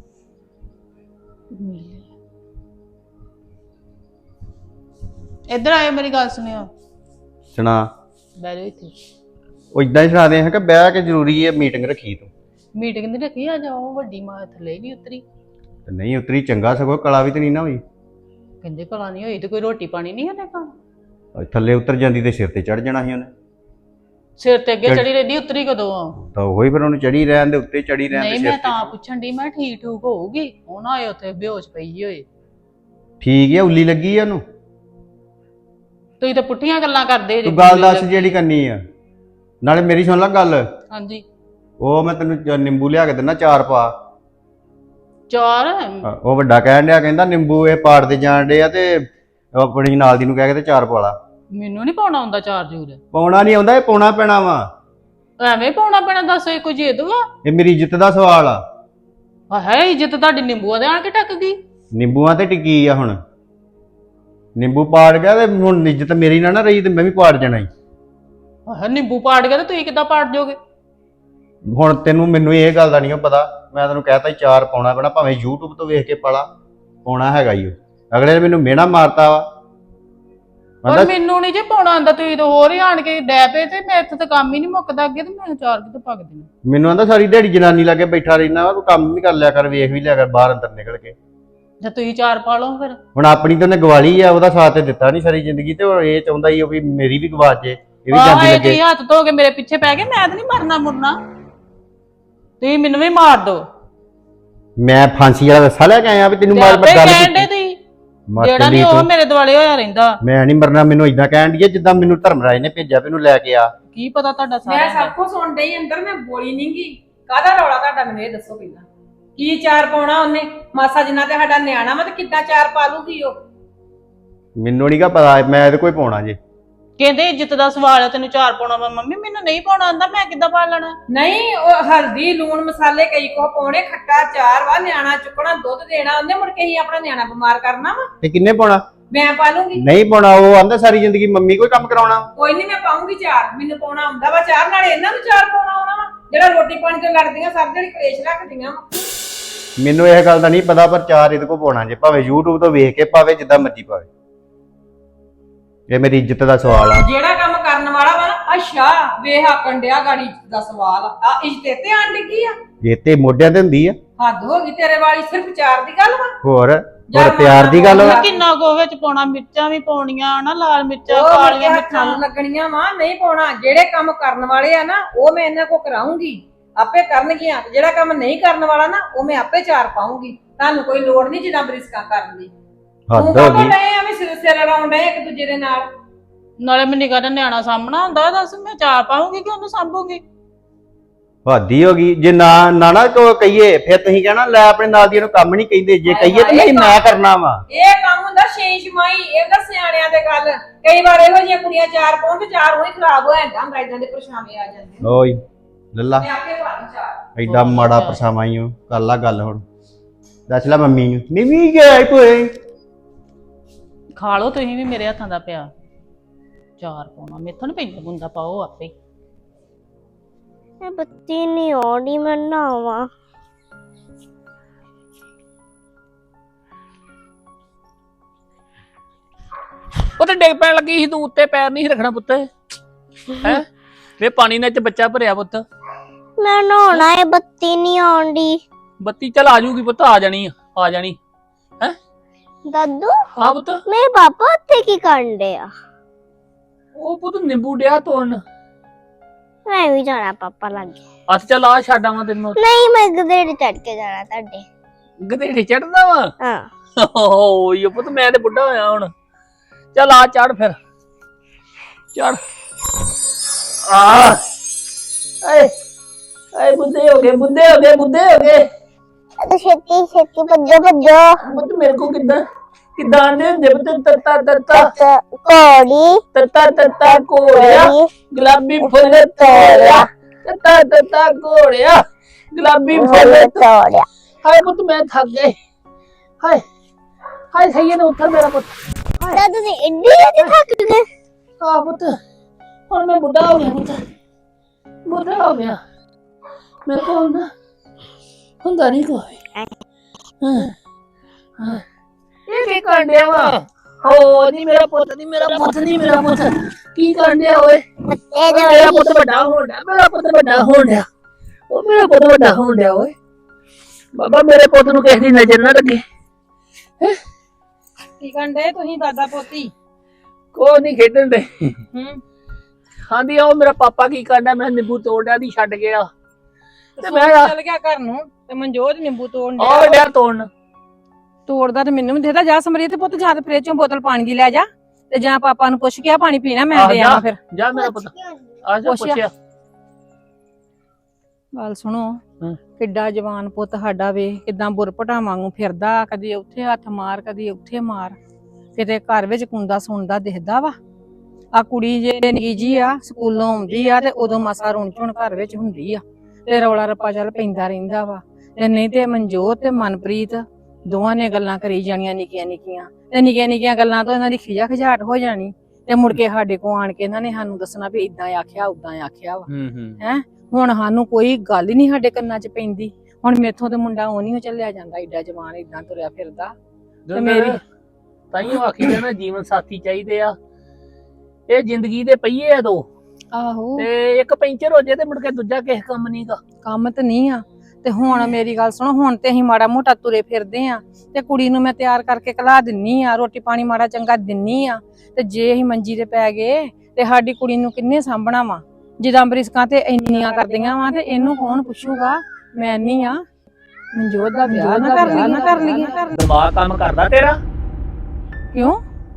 ਇੱਧਰ ਆਇਓ, ਮੇਰੀ ਗੱਲ ਸੁਣਿਓ।
ਸੁਣਾ।
ਬਹਿ ਜਾਓ ਇੱਥੇ।
ਉਹ ਇਦਾਂ ਹੀ ਸੁਣਾਦੇ ਹੈ ਕਿ ਬਹਿ ਕੇ ਜ਼ਰੂਰੀ ਹੈ ਮੀਟਿੰਗ ਰੱਖੀ ਤੂੰ?
ਮੀਟਿੰਗ ਨਹੀਂ ਰੱਖੀ, ਆ ਜਾਓ। ਵੱਡੀ ਮਾਂ ਥੱਲੇ ਨਹੀਂ ਉਤਰੀ।
ਤੇ ਨਹੀਂ ਉਤਰੀ ਚੰਗਾ, ਸਗੋਂ ਕਲਾ ਵੀ ਤੇ ਨਹੀਂ ਨਾ ਹੋਈ।
ਕਹਿੰਦੇ ਭਲਾ ਨਹੀਂ ਹੋਈ ਤੇ ਕੋਈ ਰੋਟੀ ਪਾਣੀ ਨਹੀਂ ਉਹਨੇ ਖਾਣਾ।
ਥੱਲੇ ਉਤਰ ਜਾਂਦੀ ਤੇ ਸਿਰ ਤੇ ਚੜ ਜਾਣਾ ਸੀ ਉਹਨੇ।
ਸਿਰ ਤੇ ਅੱਗੇ
ਚੜ੍ਹ-
ਚੜੀ ਰਹਿੰਦੀ, ਉਤਰੀ ਕਦੋਂ ਆ?
ਤਾਂ ਉਹੀ ਫਿਰ ਉਹਨੂੰ ਚੜੀ ਰਹਿਣ ਦੇ, ਉੱਤੇ ਚੜੀ ਰਹਿਣ ਦੇ
ਨਹੀਂ,
ਸਿਰ
ਮੈਂ
ਤੇ।
ਤਾਂ ਪੁੱਛਣ ਦੀ, ਮੈਂ ਠੀਕ ਠੂਕ ਹੋਊਗੀ। ਉਹ ਨਾ ਆਏ ਉੱਥੇ ਬੇਹੋਸ਼ ਪਈ ਹੋਏ।
ਠੀਕ ਹੈ, ਉੱਲੀ ਲੱਗੀ ਆ ਉਹਨੂੰ।
ਤੁਸੀਂ ਤਾਂ ਪੁੱਠੀਆਂ ਗੱਲਾਂ ਕਰਦੇ
ਤੂੰ ਗੱਲ ਦੱਸ ਜਿਹੜੀ ਕਰਨੀ ਆ। ਨਾਲੇ ਮੇਰੀ ਸੁਣ ਲੈ ਗੱਲ।
ਹਾਂਜੀ।
ਉਹ ਮੈਂ ਤੈਨੂੰ ਚ- ਨਿੰਬੂ ਲਿਆ ਕੇ ਦਿੰਦਾ, ਚਾਰ ਪਾ।
ਚਾਰ
ਉਹ ਵੱਡਾ ਕਹਿਣ ਡਿਆ ਕਹਿੰਦਾ ਨਿੰਬੂ ਇਹ ਪਾੜਦੇ ਜਾਣ ਡੇ ਆ ਤੇ ਆਪਣੀ ਨਾਲ ਦੀ ਨੂੰ ਕਹਿ ਕੇ ਤੇ ਚਾਰ ਪਾ ਲਾ।
ਮੈਨੂੰ ਨਹੀਂ ਪਾਉਣਾ ਹੁੰਦਾ ਚਾਰ ਜੂਰ।
ਪਾਉਣਾ ਨਹੀਂ ਆਉਂਦਾ, ਇਹ ਪਾਉਣਾ ਪੈਣਾ ਵਾ।
ਐਵੇਂ ਪਾਉਣਾ ਪੈਣਾ, ਦੱਸ ਇਹ ਕੋਈ ਜੇਦ ਵਾ?
ਇਹ ਮੇਰੀ ਇੱਜ਼ਤ ਦਾ ਸਵਾਲ ਆ।
ਹੈ ਇੱਜ਼ਤ ਤੁਹਾਡੀ ਨਿੰਬੂਆਂ ਦੇ ਆਣ ਕੇ ਟੱਕ ਗਈ।
ਨਿੰਬੂਆਂ ਤੇ ਟਿੱਕੀ ਆ ਹੁਣ। ਨਿੰਬੂ ਪਾੜ ਗਿਆ ਤੇ ਹੁਣ ਇੱਜ਼ਤ ਮੇਰੀ ਨਾ ਨਾ ਰਹੀ ਤੇ ਮੈਂ ਵੀ ਪਾੜ ਜਾਣਾ ਈ।
ਹੈ ਨਿੰਬੂ ਪਾੜ ਗਿਆ ਤੇ ਤੁਸੀਂ ਕਿੱਦਾਂ ਪਾੜ ਜਾਓਗੇ?
ਹੁਣ ਤੈਨੂੰ ਮੈਨੂੰ ਇਹ ਗੱਲ ਦਾ ਨਹੀਂ ਪਤਾ, ਮੈਂ ਤੈਨੂੰ ਕਹਿਤਾ ਚਾਰ ਪਾਉਣਾ ਪੈਣਾ, ਭਾਵੇਂ YouTube ਤੋਂ ਵੇਖ ਕੇ ਪਾਲਾ, ਪਾਉਣਾ ਹੈਗਾ ਈ। ਅਗਲੇ ਨੇ ਮੈਨੂੰ ਮਿਹਣਾ ਮਾਰਤਾ ਵਾ।
ਪਰ ਮੈਨੂੰ ਨਹੀਂ ਜੇ ਪਾਉਣਾ ਆਂਦਾ, ਤੁਸੀਂ ਤਾਂ ਹੋਰ ਹੀ ਆਣ ਕੇ ਡੈ ਪਏ ਤੇ ਮੇਰੇ ਤੋਂ ਤਾਂ ਕੰਮ ਹੀ ਨਹੀਂ ਮੁੱਕਦਾ ਅੱਗੇ, ਤੇ ਮੈਂ ਚਾਰ ਕਿਤੇ ਪੱਕ ਦੇਣਾ।
ਮੈਨੂੰ ਆਂਦਾ ਸਾਰੀ ਦਿਹਾੜੀ ਜਨਾਨੀ ਲਾਗੇ ਬੈਠਾ ਰਹਿਣਾ ਵਾ, ਤੂੰ ਕੰਮ ਵੀ ਕਰ ਲਿਆ ਕਰ, ਵੇਖ ਵੀ ਲਿਆ ਕਰ ਬਾਹਰ ਅੰਦਰ ਨਿਕਲ ਕੇ।
ਜੇ ਤੁਸੀਂ ਚਾਰ ਪਾ ਲਓ ਫਿਰ।
ਹੁਣ ਆਪਣੀ ਤਾਂ ਉਹਨੇ ਗਵਾਲੀ ਆ, ਉਹਦਾ ਸਾਥ ਤੇ ਦਿੱਤਾ ਨਹੀਂ ਸਾਰੀ ਜ਼ਿੰਦਗੀ, ਤੇ ਉਹ ਇਹ ਚਾਹੁੰਦਾ ਹੀ ਉਹ ਵੀ ਮੇਰੀ ਵੀ ਗਵਾਚ ਜੇ, ਇਹ ਵੀ ਜਾਂਦੀ
ਆਹ
ਲੱਗੇ।
ਤੁਸੀਂ ਹੱਥ ਧੋ ਕੇ ਮੇਰੇ ਪਿੱਛੇ ਪੈ ਗਏ, ਮੈਂ ਤਾਂ ਨਹੀਂ ਮਰਨਾ ਮੁਰਨਾ, ਤੁਸੀਂ ਮੈਨੂੰ ਵੀ ਮਾਰ ਦੋ।
ਮੈਂ ਫਾਂਸੀ ਵਾਲਾ ਰੱਸਾ ਲੈ ਕੇ ਆਇਆ ਵੀ ਤੈਨੂੰ ਮਾਰ
ਆਪੇ
ਗੱਲ
ਕਹਿਣ ਦੇ ਤੁਸੀਂ, ਜਿਹੜਾ ਨਹੀਂ ਉਹ ਮੇਰੇ ਦੁਆਲੇ ਹੋਇਆ ਰਹਿੰਦਾ।
ਮੈਂ ਨਹੀਂ ਮਰਨਾ, ਮੈਨੂੰ ਇਦਾਂ ਕਹਿਣ ਦੀ ਜਿੱਦਾਂ ਮੈਨੂੰ ਧਰਮਰਾਜ ਨੇ ਭੇਜਿਆ, ਮੈਨੂੰ ਲੈ ਕੇ ਆ।
ਕੀ ਪਤਾ ਤੁਹਾਡਾ
ਮੈਂ
ਸਾਰਾ
ਸਭ ਕੁਝ ਸੁਣ ਡਈ ਅੰਦਰ, ਮੈਂ ਬੋਲੀ ਨਹੀਂ ਗਈ। ਕਾਹਦਾ ਰੌਲਾ ਤੁਹਾਡਾ ਮੈਨੂੰ ਇਹ ਦੱਸੋ ਪਹਿਲਾਂ। ਕੀ ਚਾਰ ਪਾਉਣਾ ਉਹਨੇ? ਮਾਸਾ ਜਿੰਨਾ ਤੇ ਸਾਡਾ ਨਿਆਣਾ ਵਾ ਤੇ ਕਿੱਦਾਂ ਚਾਰ ਪਾ ਲੂਗੀ ਉਹ?
ਮੈਨੂੰ ਨਹੀਂ ਗਾ ਪਤਾ, ਮੈਂ ਇਹਦੇ ਕੋਈ ਪਾਉਣਾ ਜੇ।
ਕਹਿੰਦੇ ਇੱਜ਼ਤ ਦਾ ਸਵਾਲ ਹੈ, ਤੈਨੂੰ ਚਾਰ ਪਾਉਣਾ ਵਾ। ਮੰਮੀ ਮੈਨੂੰ ਨਹੀਂ ਪਾਉਣਾ ਆਂਦਾ, ਮੈਂ ਕਿੱਦਾਂ ਪਾ ਲੈਣਾ?
ਨਹੀਂ, ਉਹ ਹਲਦੀ ਲੂਣ ਮਸਾਲੇ ਕਈ ਕੋ ਪਾਉਣੇ, ਖੱਟਾ ਚਾਰ ਵਾ, ਨਿਆਣਾ ਚੁੱਕਣਾ, ਦੁੱਧ ਦੇਣਾ ਉਹਨੇ, ਮੁੜ ਕੇ ਹੀ ਆਪਣਾ ਨਿਆਣਾ ਬਿਮਾਰ ਕਰਨਾ ਵਾ।
ਤੇ ਕਿੰਨੇ ਪਾਉਣਾ?
ਮੈਂ ਪਾ ਲੂੰਗੀ।
ਨਹੀਂ ਪਾਉਣਾ, ਉਹ ਆਂਦਾ ਸਾਰੀ ਜ਼ਿੰਦਗੀ ਮੰਮੀ ਕੋਈ ਕੰਮ ਕਰਾਉਣਾ।
ਕੋਈ ਨਹੀਂ, ਮੈਂ ਪਾਉਂਗੀ ਚਾਰ, ਮੈਨੂੰ ਪਾਉਣਾ ਆਉਂਦਾ ਵਾ ਚਾਰ, ਨਾਲੇ ਇਹਨਾਂ ਨੂੰ ਚਾਰ ਪਾਉਣਾ ਆਉਣਾ ਵਾ, ਜਿਹੜਾ ਰੋਟੀ ਪਾਣੀ ਤੋਂ ਲੜਦੀਆਂ ਸਭ ਜਿਹੜੀ ਕਲੇਸ਼ ਰੱਖਦੀਆਂ ਵਾ।
ਮੈਨੂੰ ਇਹ ਗੱਲ ਦਾ ਨਹੀਂ ਪਤਾ, ਪਰ ਚਾਰ ਇਹਦੇ ਕੋ ਪਾਉਣਾ ਜੇ, ਭਾਵੇਂ YouTube ਤੋਂ ਵੇਖ ਕੇ ਪਾਵੇ, ਜਿੱਦਾਂ ਮਰਜ਼ੀ ਪਾਵੇ। ਇਹ ਮੇਰੀ ਇੱਜ਼ਤ ਦਾ ਸਵਾਲ ਆ।
ਜਿਹੜਾ ਕੰਮ ਕਰਨ ਵਾਲਾ ਵਾ ਨਾ, ਅੱਛਾ ਵੇਖ ਆਕਣ ਡਿਆ ਗਾੜੀ ਦਾ ਸਵਾਲ ਆ, ਇੱਜ਼ਤ ਤੇ ਆਣ ਡਿੱਗੀ ਆ।
ਇਹ ਤੇ ਮੋਢਿਆਂ ਤੇ ਹੁੰਦੀ ਆ।
ਹੱਦ ਹੋ ਗਈ ਤੇਰੇ ਵਾਲੀ, ਸਿਰਫ ਚਾਰ ਦੀ ਗੱਲ ਵਾ।
ਹੋਰ ਹੋਰ ਪਿਆਰ ਦੀ ਗੱਲ ਵਾ।
ਕਿੰਨਾ ਕੋ ਵਿੱਚ ਪਾਉਣਾ, ਮਿਰਚਾਂ ਵੀ ਪਾਉਣੀਆਂ ਨਾ, ਲਾਲ ਮਿਰਚਾਂ,
ਉਹ
ਕਾਲੀਆਂ
ਮਿਰਚਾਂ
ਮਿਰਚਾਂ
ਲੱਗਣੀਆਂ ਵਾ, ਨਹੀਂ ਪਾਉਣਾ। ਜਿਹੜੇ ਕੰਮ ਕਰਨ ਵਾਲੇ ਆ ਨਾ, ਉਹ ਮੈਂ ਇਹਨਾਂ ਕੋ ਕਰਾਉਂਗੀ, ਆਪੇ ਕਰਨਗੀਆਂ। ਜਿਹੜਾ ਕੰਮ ਨਹੀਂ ਕਰਨ ਵਾਲਾ ਨਾ, ਉਹ ਮੈਂ ਆਪੇ ਚਾਰ ਪਾਉਂਗੀ। ਤੁਹਾਨੂੰ ਕੋਈ ਲੋੜ ਨਹੀਂ ਜਿੱਦਾਂ ਬਰਿਸਕਾ ਕਰਨ ਦੀ।
ਹੱਦ
ਤੂੰ
ਹੋ
ਕਦੋਂ
ਗਈ।
ਡਏ ਐਵੇਂ ਸਿਰ ਸਿਰ ਲੜਾਉਣ ਡਏ ਇੱਕ ਦੂਜੇ ਦੇ ਨਾਲ।
ਨਾਲੇ ਮੈਂ ਨਿੱਕਾ ਜਿਹਾ ਨਿਆਣਾ ਸਾਹਮਣਾ ਹੁੰਦਾ, ਦੱਸ ਮੈਂ ਚਾਰ ਪਾਉਂਗੀ ਕਿ ਉਹਨੂੰ ਸਾਂਭੂਗੀ?
ਹਾਦੀ ਹੋ ਗਈ। ਜੇ ਨਾ ਨਾ ਨਾ ਕੋ ਕਹੀਏ, ਫਿਰ ਤੁਸੀਂ ਕਹਿਣਾ ਲੈ ਆਪਣੇ ਨਾਲ ਦੀਆਂ ਨੂੰ ਕੰਮ ਨਹੀਂ ਕਹਿੰਦੇ। ਜੇ ਕਹੀਏ ਤਾਂ ਨਹੀਂ ਮੈਂ ਕਰਨਾ ਵਾ।
ਇਹ ਕੰਮ ਹੁੰਦਾ ਸ਼ੇਸ਼ਮਾਈ, ਇਹ ਤਾਂ ਸਿਆਣਿਆਂ ਦੇ ਗੱਲ। ਕਈ ਵਾਰ ਇਹੋ ਜਿਹੀਆਂ ਕੁੜੀਆਂ ਚਾਰ ਪਾਉਣ ਤੇ ਚਾਰ ਉਹੀ ਖਰਾਬ ਹੋ ਜਾਂਦਾ ਹੁੰਦਾ, ਇਦਾਂ ਦੇ ਪਰਛਾਵੇਂ ਆ ਜਾਂਦੇ।
ਓਏ ਲੱਲਾ,
ਮੈਂ ਆਪੇ ਪਾ ਦੂੰ ਚਾਰ।
ਐਡਾ ਮਾੜਾ ਪਰਛਾਵਾਂ ਹੀ ਹੋ। ਕਰ ਲਾ ਗੱਲ ਹੁਣ, ਦੱਸ ਲੈ ਮੰਮੀ ਨੂੰ। ਨਿਵੀ ਗਿਆ ਕੋਈ
ਖਾ ਲਓ ਤੁਸੀਂ ਵੀ ਮੇਰੇ ਹੱਥਾਂ ਦਾ ਪਿਆ। ਚਾਰ ਪਾਉਣਾ ਮੇਥੋਂ ਨੀ ਪੈਂਦਾ, ਬੁੰਦਾ ਪਾਓ ਆਪੇ।
ਇਹ ਬੱਤੀ ਨਹੀਂ ਆਉਂਦੀ, ਮੈਂ ਨਹਾਵਾਂ।
ਉਹ ਤੇ ਡਿੱਗ ਪੈਣ ਲੱਗੀ ਸੀ, ਤੂੰ ਉੱਤੇ ਪੈਰ ਨਹੀਂ ਸੀ ਰੱਖਣਾ ਪੁੱਤ। ਹੈ ਵੇ ਪਾਣੀ ਨਾਲ ਚ ਬੱਚਾ ਭਰਿਆ ਪੁੱਤ।
ਮੈਂ ਨਹਾਉਣਾ ਹੈ, ਬੱਤੀ ਨਹੀਂ ਆਉਂਦੀ।
ਬੱਤੀ ਚੱਲ ਆ ਜੂਗੀ ਪੁੱਤ, ਆ ਜਾਣੀ ਆ ਆ ਜਾਣੀ ਹੈ।
ਦਾਦੂ
ਹਾਂ ਪੁੱਤ।
ਮੇਰੇ ਪਾਪਾ ਉੱਥੇ ਕੀ ਕਰਨ ਡੇ ਆ?
ਉਹ ਪੁੱਤ ਨਿੰਬੂ ਡਿਆ ਤੋੜਨ।
ਮੈਂ ਵੀ ਜਾਣਾ ਪਾਪਾ ਲਾਗੇ।
ਹੱਥ ਚੱਲ ਆ ਛੱਡ ਆਵਾਂ ਤੈਨੂੰ।
ਨਹੀਂ, ਮੈਂ ਗਧੇੜੇ ਚੜ ਕੇ ਜਾਣਾ ਤੁਹਾਡੇ।
ਗਧੇੜੇ ਚੜਦਾ ਵਾ?
ਹਾਂ।
ਓਏ ਪੁੱਤ ਮੈਂ ਤੇ ਬੁੱਢਾ ਹੋਇਆ ਹੁਣ। ਚੱਲ ਆ ਚੜ ਫਿਰ, ਚੜ ਆ। ਏ ਏ ਬੁੱਢੇ ਹੋ ਗਏ, ਬੁੱਢੇ ਹੋ ਗਏ, ਬੁੱਢੇ ਹੋ ਗਏ।
ਤੇ ਛੇਤੀ ਛੇਤੀ ਭੱਜੋ ਭੱਜੋ।
ਪੁੱਤ ਮੇਰੇ ਕੋ ਕਿੱਦਾਂ ਕਿੱਦਾਂ ਆਂਦੇ ਹੁੰਦੇ ਪੁੱਤ? ਤੱਤਾ ਤੱਤਾ
ਕੋੜੀ
ਤੱਤਾ ਤੱਤਾ ਘੋੜਿਆ ਗੁਲਾਬੀ ਫੁੱਲ ਤੋੜਿਆ। ਤੱਤਾ ਤੱਤਾ ਘੋੜਿਆ ਗੁਲਾਬੀ ਫੁੱਲ
ਤੋੜਿਆ।
ਹਾਏ ਪੁੱਤ ਮੈਂ ਥੱਕ ਗਈ। ਹਾਏ ਹਾਏ ਸਹੀ ਨੇ ਉੱਠ ਮੇਰਾ ਪੁੱਤ।
ਦਾਦੂ ਜੀ ਇੱਡੀ ਜਲਦੀ ਥੱਕ ਗਏ?
ਆ ਪੁੱਤ ਹੁਣ ਮੈਂ ਬੁੱਢਾ ਹੋ ਗਿਆ ਪੁੱਤ, ਬੁੱਢਾ ਹੋ ਗਿਆ। ਮੇਰੇ ਕੋਲ ਨਾ ਹੁੰਦਾ ਨਹੀਂ ਕੋਈ। ਹਾਂ ਹਾਂ ਇਹ ਕੀ ਕਰਨ ਡਿਆ ਵਾ? ਹੋ ਨਹੀਂ ਮੇਰਾ ਪੁੱਤ, ਨਹੀਂ ਮੇਰਾ ਪੁੱਤ, ਨਹੀਂ ਮੇਰਾ ਪੁੱਤ। ਕੀ ਕਰਨ ਡਿਆ ਓਏ? ਮੇਰਾ ਪੁੱਤ ਵੱਡਾ ਹੋਣ ਡਿਆ, ਮੇਰਾ ਪੁੱਤ ਵੱਡਾ ਹੋਣ ਡਿਆ। ਉਹ ਮੇਰਾ ਪੁੱਤ ਵੱਡਾ ਹੋਣ ਡਿਆ ਓਏ। ਬਾਬਾ ਮੇਰੇ ਪੁੱਤ ਨੂੰ ਕਿਸੇ ਦੀ ਨਜ਼ਰ ਨਾ ਲੱਗੇ।
ਕੀ ਕਰਨ ਡਏ ਤੁਸੀਂ ਦਾਦਾ ਪੋਤੀ?
ਕੋਈ ਨਹੀਂ ਖੇਡਣ ਦੇ।
ਹੂੰ,
ਹਾਂਜੀ ਉਹ ਮੇਰਾ ਪਾਪਾ ਕੀ ਕਰਦਾ, ਮੈਂ ਨਿੰਬੂ ਤੋੜਿਆ ਦੀ ਛੱਡ ਗਿਆ ਤੇ ਮੈਂ
ਚੱਲ ਗਿਆ ਘਰ ਨੂੰ ਤੇ ਮਨਜੋਤ ਨਿੰਬੂ ਤੋੜਨ
ਆ ਡਿਆ ਤੋੜਨ।
ਤੋੜਦਾ ਤੇ ਮੈਨੂੰ ਵੀ ਦੇਦਾ। ਜਾ ਸਮਰੀਤ ਪੁੱਤ, ਜਾਂ ਤੇ ਫ੍ਰਿਜ ਚੋਂ ਬੋਤਲ ਪਾਣੀ ਦੀ ਲੈ ਜਾ ਤੇ ਜਾਂ ਪਾਪਾ ਨੂੰ ਪੁੱਛ ਕੇ ਆ ਪਾਣੀ ਪੀਣਾ, ਮੈਂ ਦੇ ਆਵਾਂ ਫਿਰ।
ਜਾ ਮੇਰਾ ਪੁੱਤ ਆ ਜਾ
ਪੁੱਛਿਆ।
ਪੁੱਛਿਆ।
ਗੱਲ ਸੁਣੋ,
ਹਮ।
ਕਿੱਡਾ ਜਵਾਨ ਪੁੱਤ ਸਾਡਾ ਵੇ ਕਿਦਾਂ ਬੁਰਪਟਾ ਵਾਂਗੂ ਫਿਰਦਾ, ਕਦੀ ਉੱਥੇ ਹੱਥ ਮਾਰ ਕਦੀ ਉੱਥੇ ਮਾਰ, ਕਿਤੇ ਘਰ ਵਿੱਚ ਕੁੰਦਾ ਸੁਣਦਾ ਦਿਖਦਾ ਵਾ। ਆ ਕੁੜੀ ਜੇ ਨਿੱਕੀ ਜੀ ਆ ਸਕੂਲੋਂ ਆਉਂਦੀ ਆ ਤੇ ਉਦੋਂ ਮਸਾ ਰੁਣ ਝੁਣ ਘਰ ਵਿੱਚ ਹੁੰਦੀ ਆ ਤੇ ਰੌਲਾ ਰੱਪਾ ਚੱਲ ਪੈਂਦਾ ਰਹਿੰਦਾ ਵਾ। ਤੇ ਨਹੀਂ ਤੇ ਮਨਜੋਤ ਤੇ ਮਨਪ੍ਰੀਤ ਦੋਵਾਂ ਨੇ ਗੱਲਾਂ ਕਰੀ ਜਾਣੀਆਂ ਨਿੱਕੀਆਂ ਨਿੱਕੀਆਂ, ਤੇ ਨਿੱਕੀਆਂ ਨਿੱਕੀਆਂ ਗੱਲਾਂ ਤੋਂ ਇਹਨਾਂ ਦੀ ਖਿਜਾ ਖਿਜਾਟ ਹੋ ਜਾਣੀ, ਤੇ ਮੁੜ ਕੇ ਸਾਡੇ ਕੋਲ ਆਣ ਕੇ ਇਹਨਾਂ ਨੇ ਸਾਨੂੰ ਦੱਸਣਾ ਵੀ ਇਦਾਂ ਆਖਿਆ ਉਦਾਂ ਆਖਿਆ ਵਾ।
ਹੂੰ ਹੂੰ
ਹੈ ਹੁਣ ਸਾਨੂੰ ਕੋਈ ਗੱਲ ਹੀ ਨਹੀਂ ਸਾਡੇ ਕੰਨਾਂ 'ਚ ਪੈਂਦੀ। ਹੁਣ ਮੇਥੋਂ ਤੇ ਮੁੰਡਾ ਉਹ ਨਹੀਂ ਚੱਲਿਆ ਜਾਂਦਾ, ਏਡਾ ਜਵਾਨ ਏਦਾਂ ਤੁਰਿਆ ਫਿਰਦਾ। ਤੇ ਮੇਰੀ
ਤਾਈਓ ਆਖੀ ਜਾਣਾ ਜੀਵਨ ਸਾਥੀ ਚਾਹੀਦੇ ਆ, ਇਹ ਜ਼ਿੰਦਗੀ ਦੇ ਪਹੀਏ ਆ ਦੋ,
ਆਹੋ
ਤੇ ਇੱਕ ਪੈਂਚਰ ਹੋ ਜੇ ਤੇ ਮੁੜ ਕੇ ਦੂਜਾ ਕਿਸੇ ਕੰਮ ਨਹੀਂਗਾ।
ਕੰਮ ਤੇ ਨਹੀਂ ਆ। ਤੇ ਹੁਣ ਮੇਰੀ ਗੱਲ ਸੁਣੋ, ਹੁਣ ਤੇ ਅਸੀਂ ਮਾੜਾ ਮੋਟਾ ਤੁਰੇ ਫਿਰਦੇ ਆ, ਤੇ ਕੁੜੀ ਨੂੰ ਮੈਂ ਤਿਆਰ ਕਰਕੇ ਕਲਾ ਦਿੰਨੀ ਆ, ਰੋਟੀ ਪਾਣੀ ਮਾੜਾ ਚੰਗਾ ਦਿੰਨੀ ਆ। ਤੇ ਜੇ ਅਸੀਂ ਮੰਜੀ ਤੇ ਪੈ ਗਏ ਤੇ ਸਾਡੀ ਕੁੜੀ ਨੂੰ ਕਿੰਨੇ ਸਾਂਭਣਾ ਵਾ? ਜਿੱਦਾਂ ਬਰਿਸਕਾਂ ਤੇ ਇੰਨੀਆਂ ਕਰਦੀਆਂ ਵਾ ਤੇ ਇਹਨੂੰ ਕੌਣ ਪੁੱਛੂਗਾ? ਮੈਂ ਨਹੀਂ ਆ ਮਨਜੋਤ ਦਾ ਵਿਆਹ ਨਾ ਕਰ ਲਈਏ, ਨਾ ਕਰ ਲਈਏ।
ਦਿਮਾਗ ਕੰਮ ਕਰਦਾ ਤੇਰਾ?
ਕਿਉਂ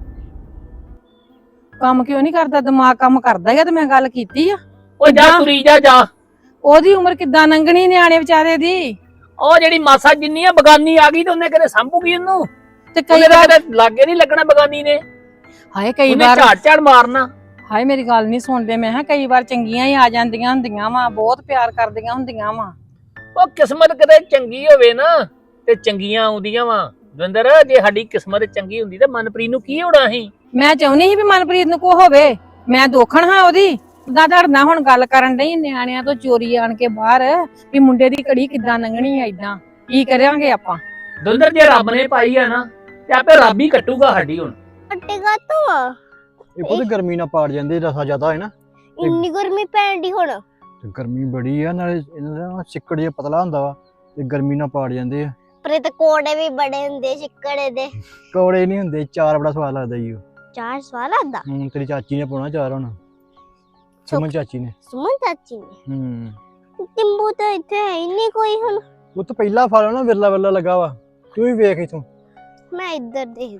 ਕੰਮ ਕਿਉਂ ਨਹੀਂ ਕਰਦਾ? ਦਿਮਾਗ ਕੰਮ ਕਰਦਾ ਹੀ ਆ, ਤੇ ਮੈਂ ਗੱਲ ਕੀਤੀ ਆ।
ਉਹ ਜਾ ਤੁਰੀ ਜਾ ਜਾ।
ਉਹਦੀ ਉਮਰ ਕਿੱਦਾਂ ਲੰਘਣੀ ਨਿਆਣੇ ਵਿਚਾਰੇ ਦੀ?
ਉਹ ਜਿਹੜੀ ਮਾਸਾ ਜਿੰਨੀ ਆ ਬਗਾਨੀ ਆ ਗਈ ਤੇ ਉਹਨੇ ਕਿਤੇ ਸੰਭੂਗੀ ਉਹਨੂੰ,
ਤੇ ਕਈ
ਉਹਨੇ
ਵਾਰ
ਕਿਤੇ ਲਾਗੇ ਨਹੀਂ ਲੱਗਣਾ ਬਗਾਨੀ ਨੇ,
ਹਾਏ ਕਈ
ਉਹਨੇ
ਵਾਰ
ਝਾੜ ਝਾੜ ਮਾਰਨਾ।
ਹਾਏ ਮੇਰੀ ਗੱਲ ਨਹੀਂ ਸੁਣਦੇ। ਮੈਂ ਕਿਹਾ ਕਈ ਵਾਰ ਚੰਗੀਆਂ ਹੀ ਆ ਜਾਂਦੀਆਂ ਹੁੰਦੀਆਂ ਵਾ, ਬਹੁਤ ਪਿਆਰ ਕਰਦੀਆਂ ਹੁੰਦੀਆਂ ਵਾ।
ਉਹ ਕਿਸਮਤ ਕਿਤੇ ਚੰਗੀ ਹੋਵੇ ਨਾ ਤੇ ਚੰਗੀਆਂ ਆਉਂਦੀਆਂ ਵਾ। ਦਵਿੰਦਰ ਜੇ ਸਾਡੀ ਕਿਸਮਤ ਚੰਗੀ ਹੁੰਦੀ ਤੇ ਮਨਪ੍ਰੀਤ ਨੂੰ ਕੀ ਹੋਣਾ ਸੀ?
ਮੈਂ ਚਾਹੁੰਦੀ ਸੀ ਵੀ ਮਨਪ੍ਰੀਤ ਨੂੰ ਕੋ ਹੋਵੇ, ਮੈਂ ਦੋਖਣ ਹਾਂ ਉਹਦੀ। ਉਦਾਂ ਧੜਨਾ ਹੁਣ ਗੱਲ ਕਰਨ ਡਈ ਨਿਆਣਿਆਂ ਤੋਂ ਚੋਰੀ ਆਣ ਕੇ ਬਾਹਰ ਵੀ ਮੁੰਡੇ ਦੀ ਘੜੀ ਕਿੱਦਾਂ ਲੰਘਣੀ ਆ, ਏਦਾਂ ਕੀ ਕਰਾਂਗੇ ਆਪਾਂ?
ਦਵਿੰਦਰ ਜੇ ਰੱਬ ਨੇ ਪਾਈ ਆ ਨਾ ਤੇ ਆਪੇ ਰੱਬ ਹੀ ਕੱਟੂਗਾ ਸਾਡੀ। ਹੁਣ
ਕੱਟੇਗਾ ਤੂੰ
ਇਹ ਪੁੱਤ ਗਰਮੀ ਨਾਲ ਪਾੜ ਜਾਂਦੇ, ਰਸਾ ਜ਼ਿਆਦਾ ਹੈ ਨਾ,
ਇੰਨੀ ਗਰਮੀ ਪੈਣ ਦੀ ਹੁਣ।
ਤੇ ਗਰਮੀ ਬੜੀ ਆ, ਨਾਲੇ ਇਹਨਾਂ ਦਾ ਸਿੱਕੜ ਜਿਹਾ ਪਤਲਾ ਹੁੰਦਾ ਵਾ ਤੇ ਗਰਮੀ ਨਾਲ ਪਾੜ ਜਾਂਦੇ ਆ।
ਪਰ ਤੇ ਕੋੜੇ ਵੀ ਬੜੇ ਹੁੰਦੇ ਛਿੱਕੜੇ ਦੇ।
ਕੌੜੇ ਨਹੀਂ ਹੁੰਦੇ, ਚਾਰ ਬੜਾ ਸਵਾਦ ਲੱਗਦਾ ਜੀ ਉਹ।
ਚਾਰ ਸਵਾਲ ਆਂਦਾ
ਹੁਣ ਤੇਰੀ ਚਾਚੀ ਨੇ ਪਾਉਣਾ ਚਾਰ, ਹੁਣ ਸੁਮਨ ਚਾਚੀ ਨੇ।
ਸੁਮਨ ਚਾਚੀ ਨੇ।
ਹੂੰ
ਟਿੰਬੂ ਤਾਂ ਇੱਥੇ ਹੈ ਹੀ ਨਹੀਂ ਕੋਈ ਹੁਣ।
ਉਹ ਤਾਂ ਪਹਿਲਾ ਫਲ ਨਾ ਵਿਰਲਾ ਵਿਰਲਾ ਲੱਗਾ ਵਾ, ਤੂੰ ਵੀ ਵੇਖ ਇਥੋਂ।
ਮੈਂ ਇੱਧਰ ਦੇਖ।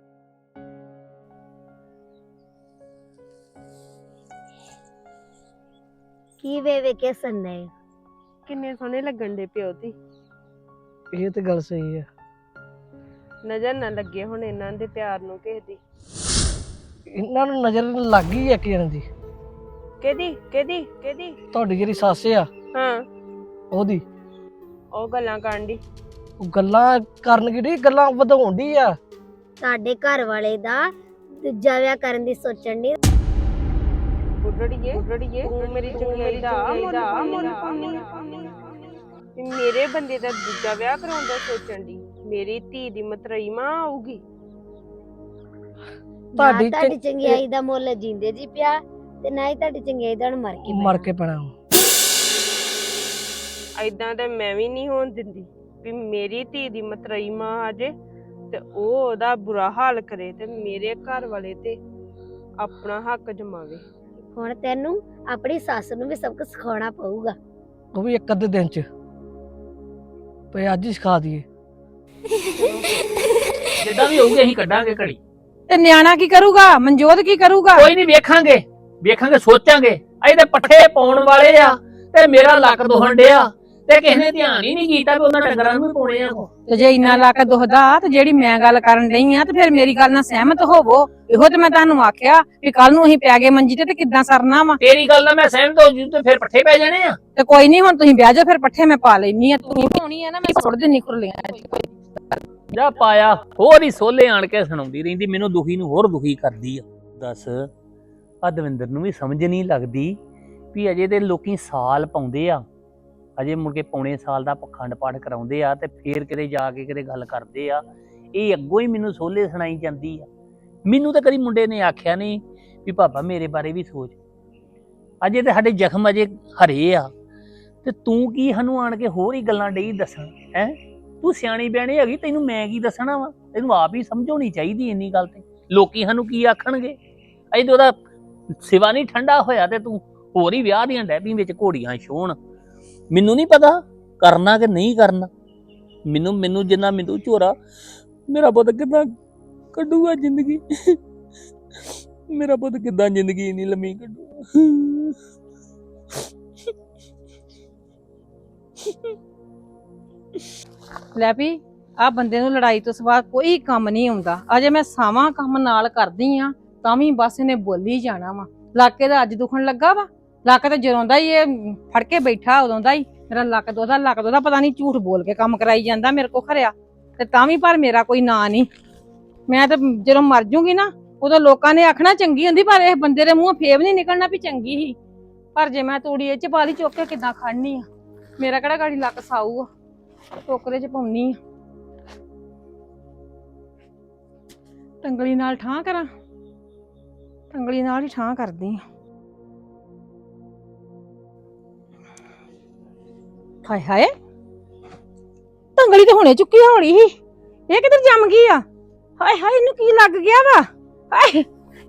ਕੀ ਵੇ ਵੇ ਕੇ ਸੰਨੇ ਕਿੰਨੇ ਸੋਹਣੇ ਲੱਗਣ ਦੇ ਪਿਓ ਦੀ।
ਇਹ ਤੇ ਗੱਲ ਸਹੀ ਆ।
ਨਜ਼ਰ ਨਾ ਲੱਗੇ ਹੁਣ ਇਹਨਾਂ ਦੇ ਪਿਆਰ ਨੂੰ ਕਿਸੇ ਦੀ।
ਇਹਨਾਂ ਨੂੰ ਨਜ਼ਰ ਲੱਗ ਗਈ ਇੱਕ ਜਣ ਦੀ।
ਕਿਹਦੀ ਕਿਹਦੀ ਕਿਹਦੀ?
ਤੁਹਾਡੀ ਜਿਹੜੀ ਸੱਸ ਆ
ਹਾਂ
ਉਹਦੀ।
ਉਹ ਗੱਲਾਂ ਕਰਨ ਦੀ।
ਉਹ ਗੱਲਾਂ ਕਰਨ ਕਿਹੜੀ ਗੱਲਾਂ ਵਧਾਉਣ ਦੀ ਆ।
ਸਾਡੇ ਘਰ ਵਾਲੇ ਦਾ ਦੂਜਾ ਵਿਆਹ ਕਰਨ ਦੀ ਸੋਚਣ ਦੀ। ਬੁੱਢੜੀਏ ਬੁੱਢੜੀਏ ਤੂੰ ਮੇਰੀ ਚੰਗਿਆਈ ਦਾ ਮੁੱਲ ਪਾਉਣੀ। ਮੇਰੇ ਬੰਦੇ ਦਾ ਦੂਜਾ ਵਿਆਹ ਕਰਾਉਣ ਦਾ ਸੋਚਣ ਦੀ। ਮੇਰੀ ਧੀ ਦੀ ਮਤਰਈ ਮਾਂ ਆਊਗੀ।
ਤੁਹਾਡੀ
ਤੁਹਾਡੀ ਚੰਗਿਆਈ ਦਾ ਮੁੱਲ ਜਿੰਦੇ ਜੀ ਪਿਆ ਤੇ ਨਾ ਹੀ ਤੁਹਾਡੀ ਚੰਗਿਆਈ ਦਾ ਮਰ ਕੇ
ਮਰ ਕੇ ਪੈਣਾ।
ਐਦਾਂ ਤੇ ਮੈਂ ਵੀ ਨਹੀਂ ਹੋਣ ਦਿੰਦੀ ਵੀ ਮੇਰੀ ਧੀ ਦੀ ਮਤਰਈ ਮਾਂ ਆ ਜੇ ਤੇ ਉਹ ਉਹਦਾ ਬੁਰਾ ਹਾਲ ਕਰੇ ਤੇ ਮੇਰੇ ਘਰ ਵਾਲੇ ਤੇ ਆਪਣਾ ਹੱਕ ਜਮਾਵੇ। ਹੁਣ ਤੈਨੂੰ ਆਪਣੀ ਸੱਸ ਨੂੰ ਵੀ ਸਭ ਕੁਝ ਸਿਖਾਉਣਾ ਪਊਗਾ।
ਉਹ ਵੀ ਇੱਕ ਅੱਧੇ ਦਿਨ ਚ ਪਏ ਅੱਜ ਹੀ ਸਿਖਾ ਦਈਏ।
ਜਿੱਦਾਂ ਵੀ ਹੋਊਗੀ ਅਸੀਂ ਕੱਢਾਂਗੇ ਘੜੀ।
ਤੇ ਨਿਆਣਾ ਕੀ ਕਰੂਗਾ? ਮਨਜੋਤ ਕੀ ਕਰੂਗਾ?
ਕੋਈ ਨਹੀਂ, ਵੇਖਾਂਗੇ ਵੇਖਾਂਗੇ ਸੋਚਾਂਗੇ। ਇਹਦੇ ਪੱਠੇ ਪਾਉਣ ਵਾਲੇ ਆ ਤੇ ਮੇਰਾ ਲੱਕ ਦੁਖਣ ਡਿਆ ਤੇ ਕਿਸੇ ਨੇ ਧਿਆਨ ਹੀ ਨਹੀਂ ਕੀਤਾ ਵੀ ਉਹਨਾਂ ਡੰਗਰਾਂ ਨੂੰ ਵੀ ਪਾਉਣੇ ਆ।
ਤੇ ਜੇ ਇੰਨਾ ਲੱਕ ਦੁਖਦਾ ਤੇ ਜਿਹੜੀ ਮੈਂ ਗੱਲ ਕਰਨ ਡਈ ਆ ਤੇ ਫਿਰ ਮੇਰੀ ਗੱਲ ਨਾਲ ਸਹਿਮਤ ਹੋਵੋ। ਇਹੋ ਤੇ ਮੈਂ ਤੁਹਾਨੂੰ ਆਖਿਆ ਵੀ ਕੱਲ ਨੂੰ ਅਸੀਂ ਪੈ ਗਏ ਮੰਜੀ ਤੇ ਤੇ ਕਿੱਦਾਂ ਸਰਨਾ ਵਾ?
ਤੇਰੀ ਗੱਲ ਨਾਲ ਮੈਂ ਸਹਿਮਤ ਹੋ ਜੂ ਤੇ ਫਿਰ ਪੱਠੇ ਪੈ ਜਾਣੇ ਆ।
ਤੇ ਕੋਈ ਨਹੀਂ, ਹੁਣ ਤੁਸੀਂ ਵਿਆਹ ਜਾਓ, ਫਿਰ ਪੱਠੇ ਮੈਂ ਪਾ ਲੈਣੀ ਆ। ਤੂੰ ਪਾਉਣੀ ਆ ਨਾ, ਮੈਂ ਸੁੱਟ ਦੇਣੀ ਖੁਰਲੀਆਂ।
ਜਾ ਪਾਇਆ ਹੋਰ ਹੀ ਸੋਲੇ ਆਣ ਕੇ ਸੁਣਾਉਂਦੀ ਰਹਿੰਦੀ, ਮੈਨੂੰ ਦੁਖੀ ਨੂੰ ਹੋਰ ਦੁਖੀ ਕਰਦੀ ਆ। ਦੱਸ ਆ ਦਵਿੰਦਰ ਨੂੰ ਵੀ ਸਮਝ ਨਹੀਂ ਲੱਗਦੀ ਵੀ ਅਜੇ ਦੇ ਲੋਕੀ ਸਾਲ ਪਾਉਂਦੇ ਆ, ਅਜੇ ਮੁੜ ਕੇ ਪੌਣੇ ਸਾਲ ਦਾ ਪਖੰਡ ਪਾਠ ਕਰਾਉਂਦੇ ਆ ਤੇ ਫੇਰ ਕਿਤੇ ਜਾ ਕੇ ਕਿਤੇ ਗੱਲ ਕਰਦੇ ਆ। ਇਹ ਅੱਗੋਂ ਹੀ ਮੈਨੂੰ ਸੋਲੇ ਸੁਣਾਈ ਜਾਂਦੀ ਆ। ਮੈਨੂੰ ਤਾਂ ਕਦੀ ਮੁੰਡੇ ਨੇ ਆਖਿਆ ਨਹੀਂ ਵੀ ਪਾਪਾ ਮੇਰੇ ਬਾਰੇ ਵੀ ਸੋਚ। ਅਜੇ ਤੇ ਸਾਡੇ ਜ਼ਖਮ ਅਜੇ ਹਰੇ ਆ ਤੇ ਤੂੰ ਕੀ ਸਾਨੂੰ ਆਣ ਕੇ ਹੋਰ ਹੀ ਗੱਲਾਂ ਡਈ ਦੱਸਣ ਹੈ? ਤੂੰ ਸਿਆਣੀ ਬਿਆਣੀ ਹੈਗੀ, ਤੈਨੂੰ ਮੈਂ ਕੀ ਦੱਸਣਾ ਵਾ? ਤੈਨੂੰ ਆਪ ਹੀ ਸਮਝ ਹੋਣੀ ਚਾਹੀਦੀ ਇੰਨੀ ਗੱਲ ਤੇ। ਲੋਕੀ ਸਾਨੂੰ ਕੀ ਆਖਣਗੇ? ਅਜੇ ਤੇ ਉਹਦਾ ਸਿਵਾ ਨਹੀਂ ਠੰਡਾ ਹੋਇਆ ਤੇ ਤੂੰ ਹੋਰ ਹੀ ਵਿਆਹ ਦੀਆਂ ਡੈਬੀ ਵਿੱਚ ਘੋੜੀਆਂ ਛੋਣ। ਮੈਨੂੰ ਨਹੀਂ ਪਤਾ ਕਰਨਾ ਕਿ ਨਹੀਂ ਕਰਨਾ। ਮੈਨੂੰ ਮੈਨੂੰ ਜਿੰਨਾ ਮੈਨੂੰ ਝੋਰਾ, ਮੇਰਾ ਪੁੱਤ ਕਿੱਦਾਂ ਕੱਢੂਗਾ ਜ਼ਿੰਦਗੀ? ਮੇਰਾ ਪੁੱਤ ਕਿੱਦਾਂ ਜ਼ਿੰਦਗੀ ਨਹੀਂ ਲੰਮੀ ਕੱਢੂਗਾ?
ਲੈ ਵੀ ਆ ਬੰਦੇ ਨੂੰ ਲੜਾਈ ਤੋਂ ਸਿਵਾ ਕੋਈ ਕੰਮ ਨਹੀਂ ਆਉਂਦਾ। ਅਜੇ ਮੈਂ ਸਾਵਾਂ ਕੰਮ ਨਾਲ ਕਰਦੀ ਆ ਤਾਂ ਵੀ ਬਸ ਇਹਨੇ ਬੋਲੀ ਜਾਣਾ ਵਾ। ਲੱਕ ਦਾ ਅੱਜ ਦੁਖਣ ਲੱਗਾ ਵਾ। ਲੱਕ ਤੇ ਜਦੋਂ ਦਾ ਹੀ ਇਹ ਫੜ ਕੇ ਬੈਠਾ ਉਦੋਂ ਦਾ ਹੀ ਮੇਰਾ ਲੱਕ ਦੋਦਾ ਲੱਕ ਦੋਦਾ ਪਤਾ ਨਹੀਂ ਝੂਠ ਬੋਲ ਕੇ ਕੰਮ ਕਰਾਈ ਜਾਂਦਾ ਮੇਰੇ ਕੋ ਖਰਿਆ ਤੇ ਤਾਂ ਵੀ ਪਰ ਮੇਰਾ ਕੋਈ ਨਾਂ ਨਹੀਂ। ਮੈਂ ਤਾਂ ਜਦੋਂ ਮਰ ਜੂਗੀ ਨਾ ਉਦੋਂ ਲੋਕਾਂ ਨੇ ਆਖਣਾ ਚੰਗੀ ਹੁੰਦੀ ਪਰ ਇਹ ਬੰਦੇ ਦੇ ਮੂੰਹੋਂ ਫੇਬ ਨਹੀਂ ਨਿਕਲਣਾ ਵੀ ਚੰਗੀ ਸੀ। ਪਰ ਜੇ ਮੈਂ ਤੂੜੀ ਇਹ ਚ ਪਾ ਲਈ ਚੁੱਕ ਕੇ ਕਿੱਦਾਂ ਖੜਨੀ ਆ? ਮੇਰਾ ਕਿਹੜਾ ਗਾੜੀ ਲੱਕ ਸਾਊ ਆ ਟੋਕਰੇ ਚ ਪਾਉਣੀ ਆ। ਟੰਗਲੀ ਨਾਲ ਠਾਂ ਕਰਾਂ ਟੰਗਲੀ ਨਾਲ ਹੀ ਠਾਂ ਕਰਦੀ ਆ। ਹਾਏ ਹਾਏ ਟੰਗਲੀ ਤੇ ਹੁਣੇ ਚੁੱਕੀ ਹੋਣੀ ਸੀ ਇਹ ਕਿੱਧਰ ਜੰਮ ਗਈ ਆ? ਹਾਏ ਹਾਏ ਇਹਨੂੰ ਕੀ ਲੱਗ ਗਿਆ ਵਾ? ਹਾਏ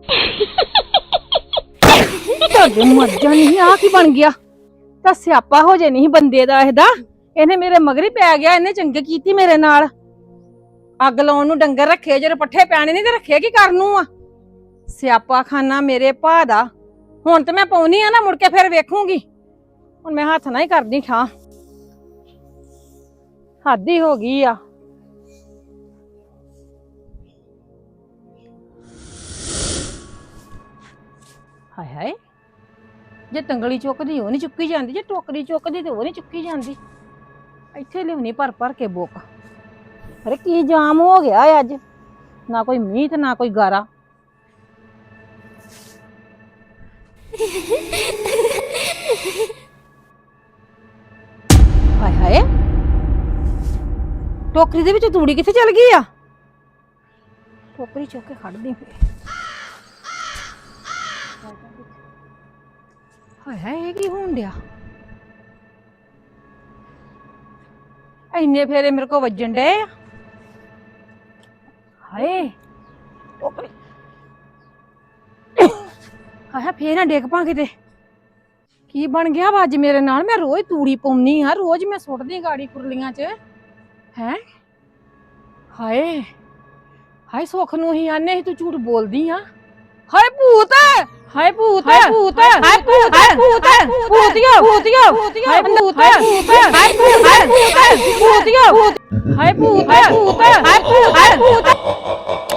ਤੁਹਾਡੇ ਮਰ ਜਾਣੀ ਆ ਕੀ ਬਣ ਗਿਆ? ਤਾਂ ਸਿਆਪਾ ਹੋ ਜੇ ਨਹੀਂ ਬੰਦੇ ਦਾ ਇਹਦਾ। ਇਹਨੇ ਮੇਰੇ ਮਗਰੀ ਪੈ ਗਿਆ। ਇਹਨੇ ਚੰਗੇ ਕੀਤੀ ਮੇਰੇ ਨਾਲ। ਅੱਗ ਲਾਉਣ ਨੂੰ ਡੰਗਰ ਰੱਖੇ ਜਦੋਂ ਪੱਠੇ ਪੈਣੇ ਨਹੀਂ ਤੇ ਰੱਖੇ ਕੀ ਕਰਨ ਨੂੰ ਆ? ਸਿਆਪਾ ਖਾਨਾ ਮੇਰੇ ਭਾ ਦਾ। ਹੁਣ ਤੇ ਮੈਂ ਪਾਉਣੀ ਆ ਨਾ ਮੁੜ ਕੇ ਫਿਰ ਵੇਖੂੰਗੀ। ਹੁਣ ਮੈਂ ਹੱਥ ਨਾਲ ਹੀ ਕਰਦੀ ਠਾਂ। ਹੱਦ ਹੀ ਹੋ ਗਈ ਆ। ਹਾਏ ਹਾਏ ਜੇ ਤੰਗਲੀ ਚੁੱਕਦੀ ਉਹ ਨਹੀਂ ਚੁੱਕੀ ਜਾਂਦੀ ਜੇ ਟੋਕਰੀ ਚੁੱਕਦੀ ਤੇ ਉਹ ਨਹੀਂ ਚੁੱਕੀ ਜਾਂਦੀ। ਇੱਥੇ ਲਿਆਉਣੀ ਭਰ ਭਰ ਕੇ ਬੁੱਕ। ਅਰੇ ਕੀ ਜਾਮ ਹੋ ਗਿਆ ਅੱਜ? ਨਾ ਕੋਈ ਮੀਂਹ ਤੇ ਨਾ ਕੋਈ ਗਾਰਾ। ਹਾਏ ਹਾਏ ਟੋਕਰੀ ਦੇ ਵਿੱਚ ਤੂੜੀ ਕਿੱਥੇ ਚਲ ਗਈ ਆ? ਟੋਕਰੀ ਚੁੱਕ ਕੇ ਖੜਦੀ ਪਈ। ਹਾਏ ਹਾਏ ਇਹ ਕੀ ਹੋਣ ਡਿਆ? ਇੰਨੇ ਫੇਰੇ ਮੇਰੇ ਕੋ ਵੱਜਣ ਡੇ ਆ। ਹਾਏ ਟੋਕਰੀ ਹਾਏ ਫੇਰ ਨਾ ਡਿੱਗ ਪਾ ਕਿਤੇ। ਕੀ ਬਣ ਗਿਆ ਵਾ ਅੱਜ ਮੇਰੇ ਨਾਲ? ਮੈਂ ਰੋਜ਼ ਤੂੜੀ ਪਾਉਣੀ ਆ ਰੋਜ਼ ਮੈਂ ਸੁੱਟਦੀ ਗਾੜੀ ਕੁਰਲੀਆਂ ਚ ਹੈ। ਹਾਏ ਹਾਏ ਸੁੱਖ ਨੂੰ ਹੀ ਆਨੇ ਸੀ ਤੂੰ ਝੂਠ ਬੋਲਦੀ ਆ। ਹਾਏ ਭੂਤ ਹਾਏ ਭੂਤ ਹਾਏ ਭੂਤ ਹਾਏ ਭੂਤ ਹਾਏ ਭੂਤ ਭੂਤੀਆ ਭੂਤੀਆ ਹਾਏ ਭੂਤ ਹਾਏ ਭੂਤ ਹਾਏ ਭੂਤ ਹਾਏ ਭੂਤੀਆ ਹਾਏ ਭੂਤ ਹਾਏ ਭੂਤ ਹਾਏ ਭੂਤ